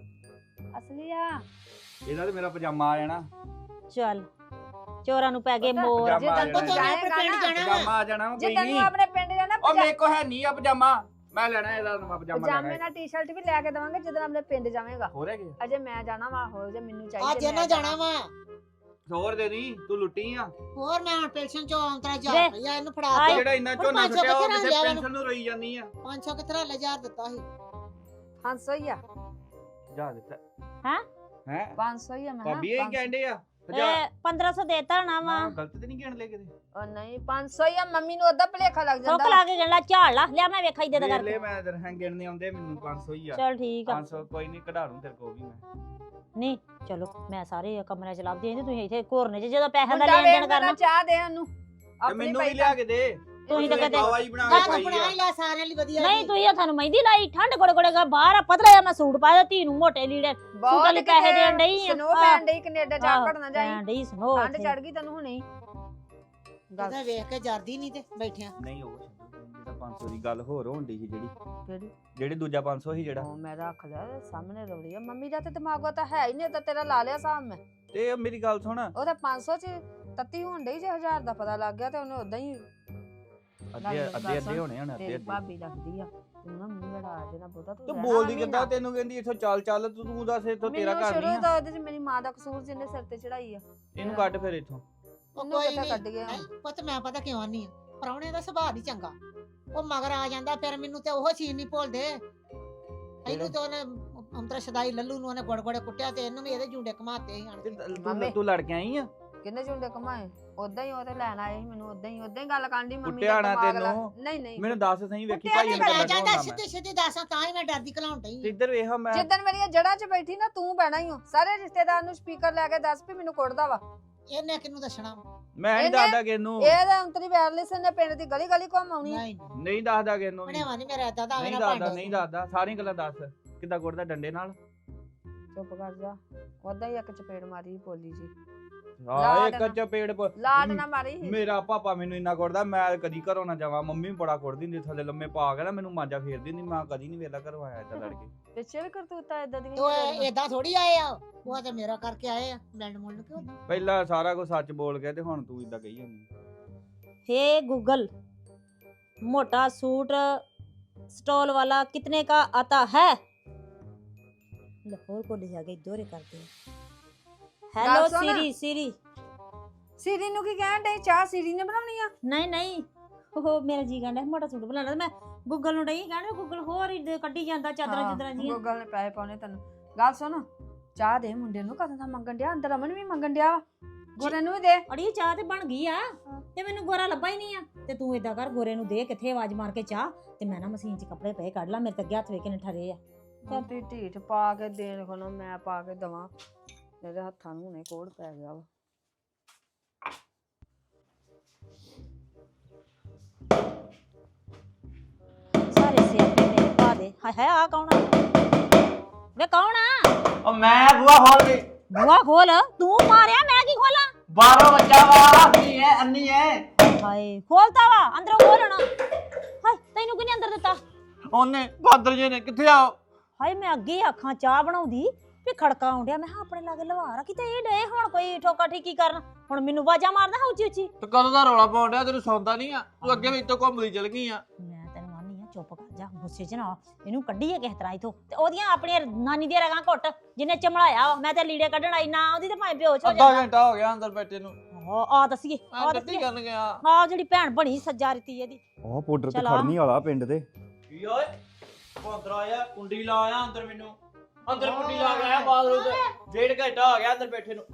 [SPEAKER 2] ਅਸਲੀ ਆ
[SPEAKER 4] ਇਹਦਾ ਤੇ ਮੇਰਾ ਪਜਾਮਾ ਆ ਜਾਣਾ
[SPEAKER 3] ਚੱਲ ਚੋਰਾਂ ਨੂੰ ਪੈ ਗਏ
[SPEAKER 2] ਪਤਾ-
[SPEAKER 3] ਮੋਰ
[SPEAKER 4] ਪਜਾਮਾ ਆ
[SPEAKER 2] ਜਿੱਦਣ
[SPEAKER 1] ਉਹ
[SPEAKER 2] ਤੂੰ
[SPEAKER 1] ਤੋਂ
[SPEAKER 4] ਜਾਣਾ
[SPEAKER 1] ਆਪਣੇ
[SPEAKER 2] ਜਾਏਗਾ
[SPEAKER 1] ਪਿੰਡ
[SPEAKER 2] ਨਾ
[SPEAKER 1] ਜਾਣਾ ਵਾ।
[SPEAKER 4] ਪਜਾਮਾ ਆ ਜਾਣਾ ਵਾ, ਕੋਈ
[SPEAKER 2] ਜਿੱਦਣ ਤੂੰ
[SPEAKER 4] ਨਹੀਂ
[SPEAKER 2] ਆਪਣੇ ਪਿੰਡ ਜਾਣਾ
[SPEAKER 4] ਉਹ ਮੇਰੇ ਕੋ ਹੈ ਨਹੀਂ ਆ ਪਜਾਮਾ ਮੈਂ ਲੈਣਾ ਇਹਦਾ ਨਵਾਂ ਪਜਾਮਾ
[SPEAKER 2] ਪਜਾਮੇ
[SPEAKER 4] ਲੈਣਾ
[SPEAKER 2] ਨਾਲ ਟੀ-ਸ਼ਰਟ ਵੀ ਲੈ ਕੇ ਦਵਾਂਗੇ ਜਦੋਂ ਆਪਣੇ ਪਿੰਡ ਜਾਵੇਂਗਾ
[SPEAKER 4] ਹੋ ਰਿਹਾ ਕੀ
[SPEAKER 2] ਅਜੇ ਮੈਂ ਜਾਣਾ ਵਾ ਹੋ ਜੇ ਮੈਨੂੰ
[SPEAKER 1] ਅੱਜ
[SPEAKER 2] ਚਾਹੀਦੇ
[SPEAKER 1] ਇਹਨਾਂ ਜਾਣਾ ਵਾ
[SPEAKER 4] ਹੋਰ ਦੇ ਦੀ ਤੂੰ ਲੁੱਟੀ ਆ
[SPEAKER 1] ਹੋਰ ਮੈਂ ਹੁਣ ਪੈਨਸ਼ਨ ਚੋਂ ਆਉਂਤਰਾ ਜਾ
[SPEAKER 3] ਵੇ।
[SPEAKER 1] ਰੁਪਈਆ ਇਹਨੂੰ ਫੜਾ
[SPEAKER 3] ਆਏ।
[SPEAKER 1] ਕੇ
[SPEAKER 4] ਜਿਹੜਾ ਇੰਨਾ
[SPEAKER 1] ਹੁਣ
[SPEAKER 4] ਝੋਨਾ
[SPEAKER 1] ਪੰਜ ਸੌ
[SPEAKER 4] ਛੁੱਟਿਆ ਉਹ
[SPEAKER 1] ਕਿੱਥੇ
[SPEAKER 4] ਕਿਸੇ
[SPEAKER 1] ਲਿਆ
[SPEAKER 4] ਪੈਨਸ਼ਨ ਨੂੰ ਰੋਈ ਜਾਂਦੀ ਆ
[SPEAKER 1] ਪੰਜ ਸੌ ਕਿਤਰਾ ਹਜ਼ਾਰ ਦਿੱਤਾ ਸੀ
[SPEAKER 2] ਪੰਜ ਸੌ ਹੀ ਆ
[SPEAKER 4] ਜਾ ਦਿੱਤਾ
[SPEAKER 3] ਹੈਂ?
[SPEAKER 4] ਹੈ
[SPEAKER 2] ਪੰਜ ਸੌ ਹੀ ਆ ਮੈਂ ਕਿਹਾ,
[SPEAKER 4] ਭਾਬੀ ਇਹ
[SPEAKER 2] ਪੰਜ ਸੌ।
[SPEAKER 4] ਕਹਿੰਦੇ ਆ ਹਜ਼ਾਰ
[SPEAKER 3] ਇਹ ਪੰਦਰਾਂ ਸੌ ਦੇਤਾ ਨਾ ਵਾ
[SPEAKER 4] ਮੈਂ ਗਲਤ ਤੇ ਨਹੀਂ ਗਿਣ ਲਏ ਕਿਤੇ
[SPEAKER 2] ਉਹ ਨਹੀਂ ਪੰਜ ਸੌ ਹੀ ਆ ਮੰਮੀ ਨੂੰ ਉਹਦਾ ਭਲੇਖਾ ਲੱਗ
[SPEAKER 3] ਸੁੱਕ
[SPEAKER 2] ਜਾਂਦਾ
[SPEAKER 3] ਲਾ ਕੇ ਗਣ ਲਾ ਝਾੜ ਲਾ ਲਿਆ ਮੈਂ ਵੇਖਾਈ ਦੇ ਦਾ
[SPEAKER 4] ਵੇਖ ਲੈ
[SPEAKER 3] ਕਰਕੇ
[SPEAKER 4] ਮੈਂ ਦਰ ਹਾਂ ਗਿਣਨੇ ਆਉਂਦੇ ਮੈਨੂੰ ਪੰਜ ਸੌ ਹੀ ਆ
[SPEAKER 3] ਚਲ ਠੀਕ ਆ
[SPEAKER 4] ਪੰਜ ਸੌ ਕੋਈ ਨਹੀਂ ਕਢਾ ਲੂੰ ਤੇਰੇ ਕੋਲ ਵੀ ਮੈਂ
[SPEAKER 3] ਨਹੀਂ ਚਲੋ ਮੈਂ ਸਾਰੇ ਕਮਰਿਆਂ ਚ ਲੱਭਦੀ ਆਂ ਤੁਸੀਂ ਇੱਥੇ ਘੋਰਨੇ ਚ ਜਦੋਂ ਪੈਸਿਆਂ ਦਾ
[SPEAKER 2] ਮੁੰਡਾ
[SPEAKER 3] ਲੈਣ ਦੇਣ
[SPEAKER 2] ਵੇਖ
[SPEAKER 3] ਕਰਨਾ
[SPEAKER 2] ਮੇਰਾ ਚਾਹ ਦੇ ਉਹਨੂੰ
[SPEAKER 4] ਤੇ
[SPEAKER 2] ਆਪਣੀ
[SPEAKER 4] ਮੈਨੂੰ ਵੀ
[SPEAKER 2] ਪਈ
[SPEAKER 4] ਲਿਆ ਕੇ ਦੇ
[SPEAKER 3] ਤੁਸੀਂ ਤਾਂ ਕਦੇ-
[SPEAKER 4] ਗਵਾਈ ਬਣਾ
[SPEAKER 1] ਮੈਂ
[SPEAKER 4] ਕੇ
[SPEAKER 1] ਤਾਂ
[SPEAKER 4] ਪਾਈ
[SPEAKER 1] ਬਣਾ
[SPEAKER 4] ਆ
[SPEAKER 1] ਹੀ ਲਿਆ ਸਾਰਿਆਂ ਲਈ ਵਧੀਆ
[SPEAKER 3] ਨਹੀਂ
[SPEAKER 1] ਜੀ।
[SPEAKER 3] ਤੁਸੀਂ ਹੱਥਾਂ ਨੂੰ ਮਹਿੰਦੀ ਲਾਈ ਠੰਡ ਗੋੜੇ ਗੋੜੇ ਗਾ ਬਾਹਰ ਆ ਪਤਲਾ ਜਿਹਾ ਮੈਂ ਸੂਟ ਪਾਇਆ ਧੀ ਨੂੰ ਮੋਟੇ ਲੀੜੇ ਸੂਟਾਂ ਲਈ ਪੈਸੇ ਦੇਣ ਡਈ ਆ
[SPEAKER 2] ਸਨੋ ਪੈਣ ਡਈ ਕੈਨੇਡਾ ਜਾ
[SPEAKER 3] ਆਹੋ,
[SPEAKER 2] ਘੜਨਾ ਜਾਈ
[SPEAKER 3] ਭੈਣ ਡਈ ਸੁਣੋ
[SPEAKER 2] ਠੰਡ
[SPEAKER 3] ਇੱਥੇ।
[SPEAKER 2] ਚੜ ਗਈ ਤੈਨੂੰ ਹੁਣੇ ਹੀ ਗੱਲ
[SPEAKER 1] ਉਹਦਾ ਵੇਖ ਕੇ ਜਰਦੀ ਨਹੀਂ ਤੇ ਬੈਠਿਆ
[SPEAKER 4] ਨਹੀਂ ਉਹ ਛੱਡੋ, ਜਿਹੜਾ ਪੰਜ ਸੌ ਦੀ ਗੱਲ ਹੋਰ ਹੋਣ ਡਈ ਸੀ ਜਿਹੜੀ
[SPEAKER 2] ਕਿਹੜੀ
[SPEAKER 4] ਜਿਹੜੇ ਦੂਜਾ ਪੰਜ ਸੌ ਸੀ ਜਿਹੜਾ
[SPEAKER 2] ਉਹ ਮੈਂ ਰੱਖ ਲਿਆ ਸਾਹਮਣੇ ਰੋੜੀ ਆ ਮੰਮੀ ਦਾ ਤੇ ਦਿਮਾਗੋ ਤਾਂ ਹੈ ਹੀ ਨਹੀਂ ਤਾਂ ਤੇਰਾ ਲਾ ਲਿਆ ਸਾਹਮ ਮੈਂ
[SPEAKER 4] ਤੇ ਮੇਰੀ ਗੱਲ ਸੁਣ
[SPEAKER 2] ਉਹ ਤਾਂ ਪੰਜ ਸੌ ਚ ਤੱਤੀ ਹੋਣ ਡਈ ਜੇ ਹਜ਼ਾਰ ਦਾ ਪਤਾ ਲੱਗ ਗਿਆ ਤੇ ਉਹਨੇ ਉਦਾਂ ਹੀ
[SPEAKER 4] ਅੱਧੇ
[SPEAKER 2] ਗੱਲ
[SPEAKER 4] ਅੱਧੇ ਅੱਧੇ
[SPEAKER 2] ਸੁਣ,
[SPEAKER 4] ਹੋਣੇ ਹੁਣ ਅੱਧੇ
[SPEAKER 2] ਤੇਰੀ
[SPEAKER 4] ਅੱਧੇ
[SPEAKER 2] ਭਾਬੀ ਲੱਗਦੀ ਆ ਤੂੰ ਨਾ ਮੂੰਹ ਲੜਾ ਦੇਣਾ ਬਹੁਤਾ ਤੂੰ
[SPEAKER 4] ਤੂੰ
[SPEAKER 2] ਰਹਿਣਾ
[SPEAKER 4] ਬੋਲਦੀ
[SPEAKER 2] ਮਹੀਨਾ।
[SPEAKER 4] ਕਿੱਦਾਂ ਤੈਨੂੰ ਕਹਿੰਦੀ ਇੱਥੋਂ ਚੱਲ ਚੱਲ ਤੂੰ ਤੂੰ ਦੱਸ ਇੱਥੋਂ ਤੇਰਾ
[SPEAKER 2] ਮੈਨੂੰ
[SPEAKER 4] ਘਰ
[SPEAKER 2] ਸ਼ੁਰੂ
[SPEAKER 4] ਨਹੀਂ ਆ
[SPEAKER 2] ਤੋਂ ਉਹਦੇ ਚ ਮੇਰੀ ਮਾਂ ਦਾ ਕਸੂਰ ਜਿਹਨੇ ਸਿਰ ਤੇ ਚੜਾਈ ਆ
[SPEAKER 4] ਇਹਨੂੰ ਕੱਢ ਫਿਰ ਇੱਥੋਂ
[SPEAKER 1] ਉਹ
[SPEAKER 2] ਉਹਨੂੰ
[SPEAKER 1] ਕੋਈ
[SPEAKER 2] ਕਿੱਥੇ ਕੱਢ
[SPEAKER 1] ਨਹੀਂ
[SPEAKER 2] ਗਿਆ
[SPEAKER 1] ਪੁੱਤ ਮੈਂ ਪਤਾ ਕਿਉਂ ਨਹੀਂ ਪਰੌਣੇ ਦਾ ਸੁਭਾਅ ਨਹੀਂ ਚੰਗਾ ਉਹ ਮਗਰ ਆ ਜਾਂਦਾ ਫਿਰ ਮੈਨੂੰ ਤੇ ਉਹ ਚੀਜ਼ ਨਹੀਂ ਭੁੱਲਦੇ ਇਹਨੂੰ ਤੇ ਉਹਨੇ ਅੰਤਰਾ ਸ਼ਦਾਈ ਲੱਲੂ ਨੂੰ ਉਹਨੇ ਗੋੜ ਗੋੜੇ ਕੁੱਟਿਆ ਤੇ ਇਹਨੂੰ ਵੀ ਇਹਦੇ ਜੁੰਡੇ ਘਮਾਤੇ ਸੀ ਆਣ
[SPEAKER 4] ਤੇ
[SPEAKER 1] ਕੇ।
[SPEAKER 4] ਤੂੰ
[SPEAKER 2] ਮੰਮੀ।
[SPEAKER 4] ਤੂੰ ਲੜ ਕੇ ਆਈ ਆ
[SPEAKER 2] ਕਿੰਨੇ ਝੁੰਡੇ ਕਮਾਏ ਉਦਾਂ ਹੀ ਉਹ ਤੇ ਲੈਣ ਆਏ ਸੀ ਮੈਨੂੰ ਉਦਾਂ ਹੀ ਉਦਾਂ ਹੀ ਗੱਲ ਕਰਨ ਦੀ ਮੰਮੀ
[SPEAKER 4] ਕੁੱਟਿਆ ਨਾ
[SPEAKER 2] ਦਿਮਾਗ ਲਾ-
[SPEAKER 4] ਤੈਨੂੰ।
[SPEAKER 2] ਨਹੀਂ ਨਹੀਂ
[SPEAKER 4] ਮੈਨੂੰ ਦੱਸ ਸਹੀ ਵੇਖੀ
[SPEAKER 2] ਕੁੱਟਿਆ
[SPEAKER 4] ਭਾਈ
[SPEAKER 2] ਨੀ
[SPEAKER 4] ਅੰਦਰ
[SPEAKER 1] ਮੈਂ
[SPEAKER 4] ਲੱਗਾ
[SPEAKER 1] ਜਾਂਦਾ
[SPEAKER 4] ਹੁੰਦਾ ਮੈਂ
[SPEAKER 1] ਸਿੱਧੀ ਸਿੱਧੀ ਦੱਸਾਂ ਤਾਂ ਹੀ ਮੈਂ ਡਰਦੀ ਘਲਾਉਣ
[SPEAKER 4] ਤੇ
[SPEAKER 1] ਡਈ
[SPEAKER 4] ਇੱਧਰ ਵੇਖ ਮੈਂ
[SPEAKER 2] ਜਿੱਦਣ ਮੇਰੀਆਂ ਜੜ੍ਹਾਂ 'ਚ ਬੈਠੀ ਨਾ ਤੂੰ ਬਹਿਣਾ ਹੀ ਹੋ ਸਾਰੇ ਰਿਸ਼ਤੇਦਾਰ ਨੂੰ ਸਪੀਕਰ ਲੈ ਕੇ ਦੱਸ ਵੀ ਮੈਨੂੰ ਕੁੱਟਦਾ ਵਾ
[SPEAKER 1] ਇਹਨੇ ਕਿਹਨੂੰ ਦੱਸਣਾ
[SPEAKER 4] ਮੈਂ ਨਹੀਂ
[SPEAKER 2] ਇਹਨੇ-
[SPEAKER 4] ਦੱਸਦਾ ਕਿ ਇਹਨੂੰ
[SPEAKER 2] ਇਹ ਤਾਂ ਅੰਤਰੀ ਵਾਇਰਲੈਸ ਨੇ ਪਿੰਡ ਦੀ ਗਲੀ ਗਲੀ ਘੁੰਮ ਆਉਣੀ ਆ।
[SPEAKER 1] ਨਹੀਂ
[SPEAKER 4] ਨਹੀਂ ਦੱਸਦਾ ਕਿ ਇਹਨੂੰ ਵੀ।
[SPEAKER 1] ਬਣੇਵਾ ਨਹੀਂ ਮੇਰਾ ਏਦਾਂ ਦਾ ਆਵੇ
[SPEAKER 4] ਨਹੀਂ
[SPEAKER 1] ਨਾ
[SPEAKER 4] ਦੱਸਦਾ
[SPEAKER 1] ਭਾਂਡੇ
[SPEAKER 4] ਨਹੀਂ ਦੱਸਦਾ ਸਾਰੀਆਂ ਗੱਲਾਂ ਦੱਸ ਕਿੱਦਾਂ ਕੁੱਟਦਾ ਡੰਡੇ ਨਾਲ
[SPEAKER 2] ਚੁੱਪ ਕਰ ਜਾ ਉਦਾਂ ਹੀ ਇੱਕ ਚਪੇੜ ਮਾਰੀ ਬੋਲੀ ਜੀ
[SPEAKER 4] ਆ
[SPEAKER 2] ਲਾਡ
[SPEAKER 4] ਇੱਕ
[SPEAKER 2] ਨਾ-
[SPEAKER 4] ਚਪੇੜ ਪ-
[SPEAKER 2] ਲਾਡ ਨਾ ਮਾਰੀ
[SPEAKER 4] ਮੇਰਾ ਪਾਪਾ ਮੈਨੂੰ ਇੰਨਾ ਕੁੱਟਦਾ ਮੈਂ ਕਦੀ ਘਰੋਂ ਨਾ ਜਾਵਾਂ ਮੰਮੀ ਬੜਾ ਕੁੱਟਦੀ ਹੁੰਦੀ ਥੱਲੇ ਲੰਮੇ ਪਾ ਕੇ ਨਾ ਮੈਨੂੰ ਮਾਂਜਾ ਫੇਰਦੀ ਹੁੰਦੀ ਮੈਂ ਕਦੀ ਨਹੀਂ ਵੇਲਾ ਘਰੋਂ ਆਇਆ ਏਦਾਂ ਲੜ ਕੇ
[SPEAKER 2] ਪਿੱਛੇ ਵੀ ਕਰਤੂਤਾ ਇਦਾਂ ਦੀਆਂ
[SPEAKER 1] ਉਹ
[SPEAKER 2] ਜਿਹੜੀਆਂ-
[SPEAKER 1] ਏਦਾਂ ਥੋੜੀ ਆਏ ਆ ਉਹ ਤੇ ਮੇਰਾ ਕਰਕੇ ਆਏ ਆ ਮਿਲਣ ਮੁਲਣ ਕਿਉਂ
[SPEAKER 4] ਪਹਿਲਾਂ ਸਾਰਾ ਕੁਝ ਸੱਚ ਬੋਲ ਕੇ ਤੇ ਹੁਣ ਤੂੰ ਇਦਾਂ ਕਹੀ ਜਾਂਦੀ
[SPEAKER 3] हे गूगल मोटा सूट स्टॉल वाला कितने का आता है लाहौर को ले जाके दौरे करते हैं हेलो
[SPEAKER 2] ਗੱਲ ਸੁਣ।
[SPEAKER 3] सीरी सीरी
[SPEAKER 2] ਸੀਰੀ ਨੂੰ ਕੀ ਕਹਿਣ ਡਈ ਚਾਹ ਸੀਰੀ ਨੇ ਬਣਾਉਣੀ ਆ
[SPEAKER 3] नहीं नहीं ਉਹ ਮੇਰਾ ਜੀ ਕਹਿੰਦਾ ਮੋਟਾ ਸੂਟ ਬਣਾਉਣਾ ਤੇ ਮੈਂ ਗੂਗਲ ਨੂੰ ਡਈ ਕਹਿੰਦਾ ਗੂਗਲ ਹੋਰ ਹੀ ਕੱਢੀ ਜਾਂਦਾ ਚਾਦਰਾਂ ਚਾਦਰਾਂ ਜੀਆਂ
[SPEAKER 2] ਗੂਗਲ ਨੇ ਪੈਸੇ ਪਾਉਣੇ ਤੈਨੂੰ ਗੱਲ ਸੁਣ ਚਾਹ ਦੇ ਮੁੰਡੇ ਨੂੰ ਕਦੋਂ ਦਾ ਮੰਗਣ ਡਿਆ ਅੰਦਰ ਅਮਨ ਵੀ ਮੰਗਣ ਡਿਆ ਵਾ। ਗੋਰੇ ਨੂੰ ਵੀ ਦੇ
[SPEAKER 3] ਅੜੀ ਚਾਹ ਤੇ ਬਣ ਗਈ ਆ ਤੇ ਮੈਨੂੰ ਗੋਰਾ ਲੱਭਾ ਹੀ ਨਹੀਂ ਆ ਤੇ ਤੂੰ ਏਦਾਂ ਕਰ ਗੋਰੇ ਨੂੰ ਦੇ ਕਿੱਥੇ ਆਵਾਜ਼ ਮਾਰ ਕੇ ਚਾਹ ਤੇ ਮੈਂ ਨਾ ਮਸ਼ੀਨ 'ਚ ਕੱਪੜੇ ਪਏ ਕੱਢ ਲਾ ਮੇਰੇ ਤੇ ਅੱਗੇ ਹੱਥ ਵੇਖ ਕੇ ਨੇ ਠਰੇ ਆ
[SPEAKER 2] ਚੱਲ ਤੀ ਢੀਠ ਪਾ ਕੇ ਦੇਣ ਕੋਲੋਂ ਮੈਂ ਪਾ ਕੇ ਦਵਾਂ ਮੇਰੇ ਹੱਥਾਂ ਨੂੰ ਹੁਣੇ ਕੋੜ ਪੈ ਗਿਆ ਵਾ
[SPEAKER 3] ਸਾਰੇ ਸਿਆਪੇ ਮੇਰੇ ਪਾ ਦੇ ਹਾਏ ਹਾਏ ਆ ਕੌਣ ਆ ਵੇ ਕੌਣ ਆ
[SPEAKER 5] ਉਹ ਮੈਂ ਬੁਆ ਖੋਲ ਗਈ
[SPEAKER 3] ਬੂਆ ਖੋਲ ਤੂੰ ਮਾਰਿਆ ਮੈਂ ਕੀ ਖੋਲਾਂ
[SPEAKER 5] ਬਾਹਰੋਂ ਬੱਚਾ ਵਾ ਅੰਨੀ ਹੈ ਅੰਨੀ ਹੈ
[SPEAKER 3] ਹਾਏ ਖੋਲਤਾ ਵਾ ਅੰਦਰੋਂ ਖੋਲਣਾ ਹਾਏ ਤੈਨੂੰ ਕਿਹਨੇ ਅੰਦਰ ਦਿੱਤਾ
[SPEAKER 5] ਉਹਨੇ ਬਾਦਰ ਜੀ ਨੇ ਕਿੱਥੇ ਆ
[SPEAKER 3] ਹਾਏ ਮੈਂ ਅੱਗੇ ਆਖਾਂ ਚਾਹ ਬਣਾਉਂਦੀ ਵੀ ਖੜਕਾ ਆਉਂਦਿਆ ਮੈਂ ਕਿਹਾ ਆਪਣੇ ਲਾਗੇ ਲਵਾ ਰਾ ਕਿਤੇ ਇਹ ਡੇ ਹੁਣ ਕੋਈ ਠੋਕਾ ਠੀਕੀ ਕਰਨ ਹੁਣ ਮੈਨੂੰ ਵਾਜਾ ਮਾਰਦਾ ਹਾਂ ਉੱਚੀ ਉੱਚੀ
[SPEAKER 5] ਤੇ ਕਦੋਂ ਦਾ ਰੌਲਾ ਪਾਉਣ ਡਿਆ ਤੈਨੂੰ ਸੌਂਦਾ ਨਹੀਂ ਆ ਤੂੰ ਅੱਗੇ ਵੀ ਇੱਥੋਂ ਘੁੰਮਦੀ ਚਲ ਗਈ ਆ
[SPEAKER 3] ਮੈਂ ਤੈਨੂੰ ਆਨੀ ਆ ਚੁੱਪ ਕਰ ਜਾ ਗੁੱਸੇ 'ਚ ਨਾ ਇਹਨੂੰ ਕੱਢੀਏ ਕਿਸ ਤਰ੍ਹਾਂ ਇਥੋਂ ਤੇ ਉਹਦੀਆਂ ਆਪਣੀਆਂ ਨਾਨੀ ਦੀਆਂ ਰਗਾਂ ਘੁੱਟ ਜਿਹਨੇ ਚਮਲਾਇਆ ਵਾ, ਮੈਂ ਤੇ ਲੀੜੇ ਕੱਢਣ ਆਈ ਨਾ ਉਹਦੀ ਤੇ ਭਾਵੇਂ ਬੇਹੋਸ਼ ਹੋ
[SPEAKER 5] ਅੱਧਾ
[SPEAKER 3] ਜਾਂਦਾ
[SPEAKER 5] ਘੰਟਾ ਹੋ ਗਿਆ ਅੰਦਰ ਬੈਠੇ ਨੂੰ
[SPEAKER 3] ਆ ਆ ਦੱਸੀਏ ਆ
[SPEAKER 5] ਆ ਗੱਡੀ
[SPEAKER 3] ਦੱਸੀਏ
[SPEAKER 5] ਕਰਨ ਗਿਆ
[SPEAKER 3] ਆ ਜਿਹੜੀ ਭੈਣ ਬਣੀ ਸੱਜਾ ਰਤੀ ਇਹਦੀ
[SPEAKER 4] ਉਹ ਪਾਊਡਰ ਤੇ
[SPEAKER 3] ਚਲਾ।
[SPEAKER 4] ਖੜਨੀ ਵਾਲਾ ਪਿੰਡ ਤੇ
[SPEAKER 5] ਕੀ ਓਏ ਕੋਂਦਰਾ ਆਇਆ ਕੁੰਡੀ ਲਾ ਆਇਆ ਅੰਦਰ ਮੈਨੂੰ ਅੰਦਰ ਕੁੰਡੀ ਲਾ ਕੇ ਆਇਆ ਬਾਥਰੂਮ ਤੇ ਡੇਢ ਘੰਟਾ ਹੋ ਗਿਆ ਅੰਦਰ ਬੈਠੇ ਨੂੰ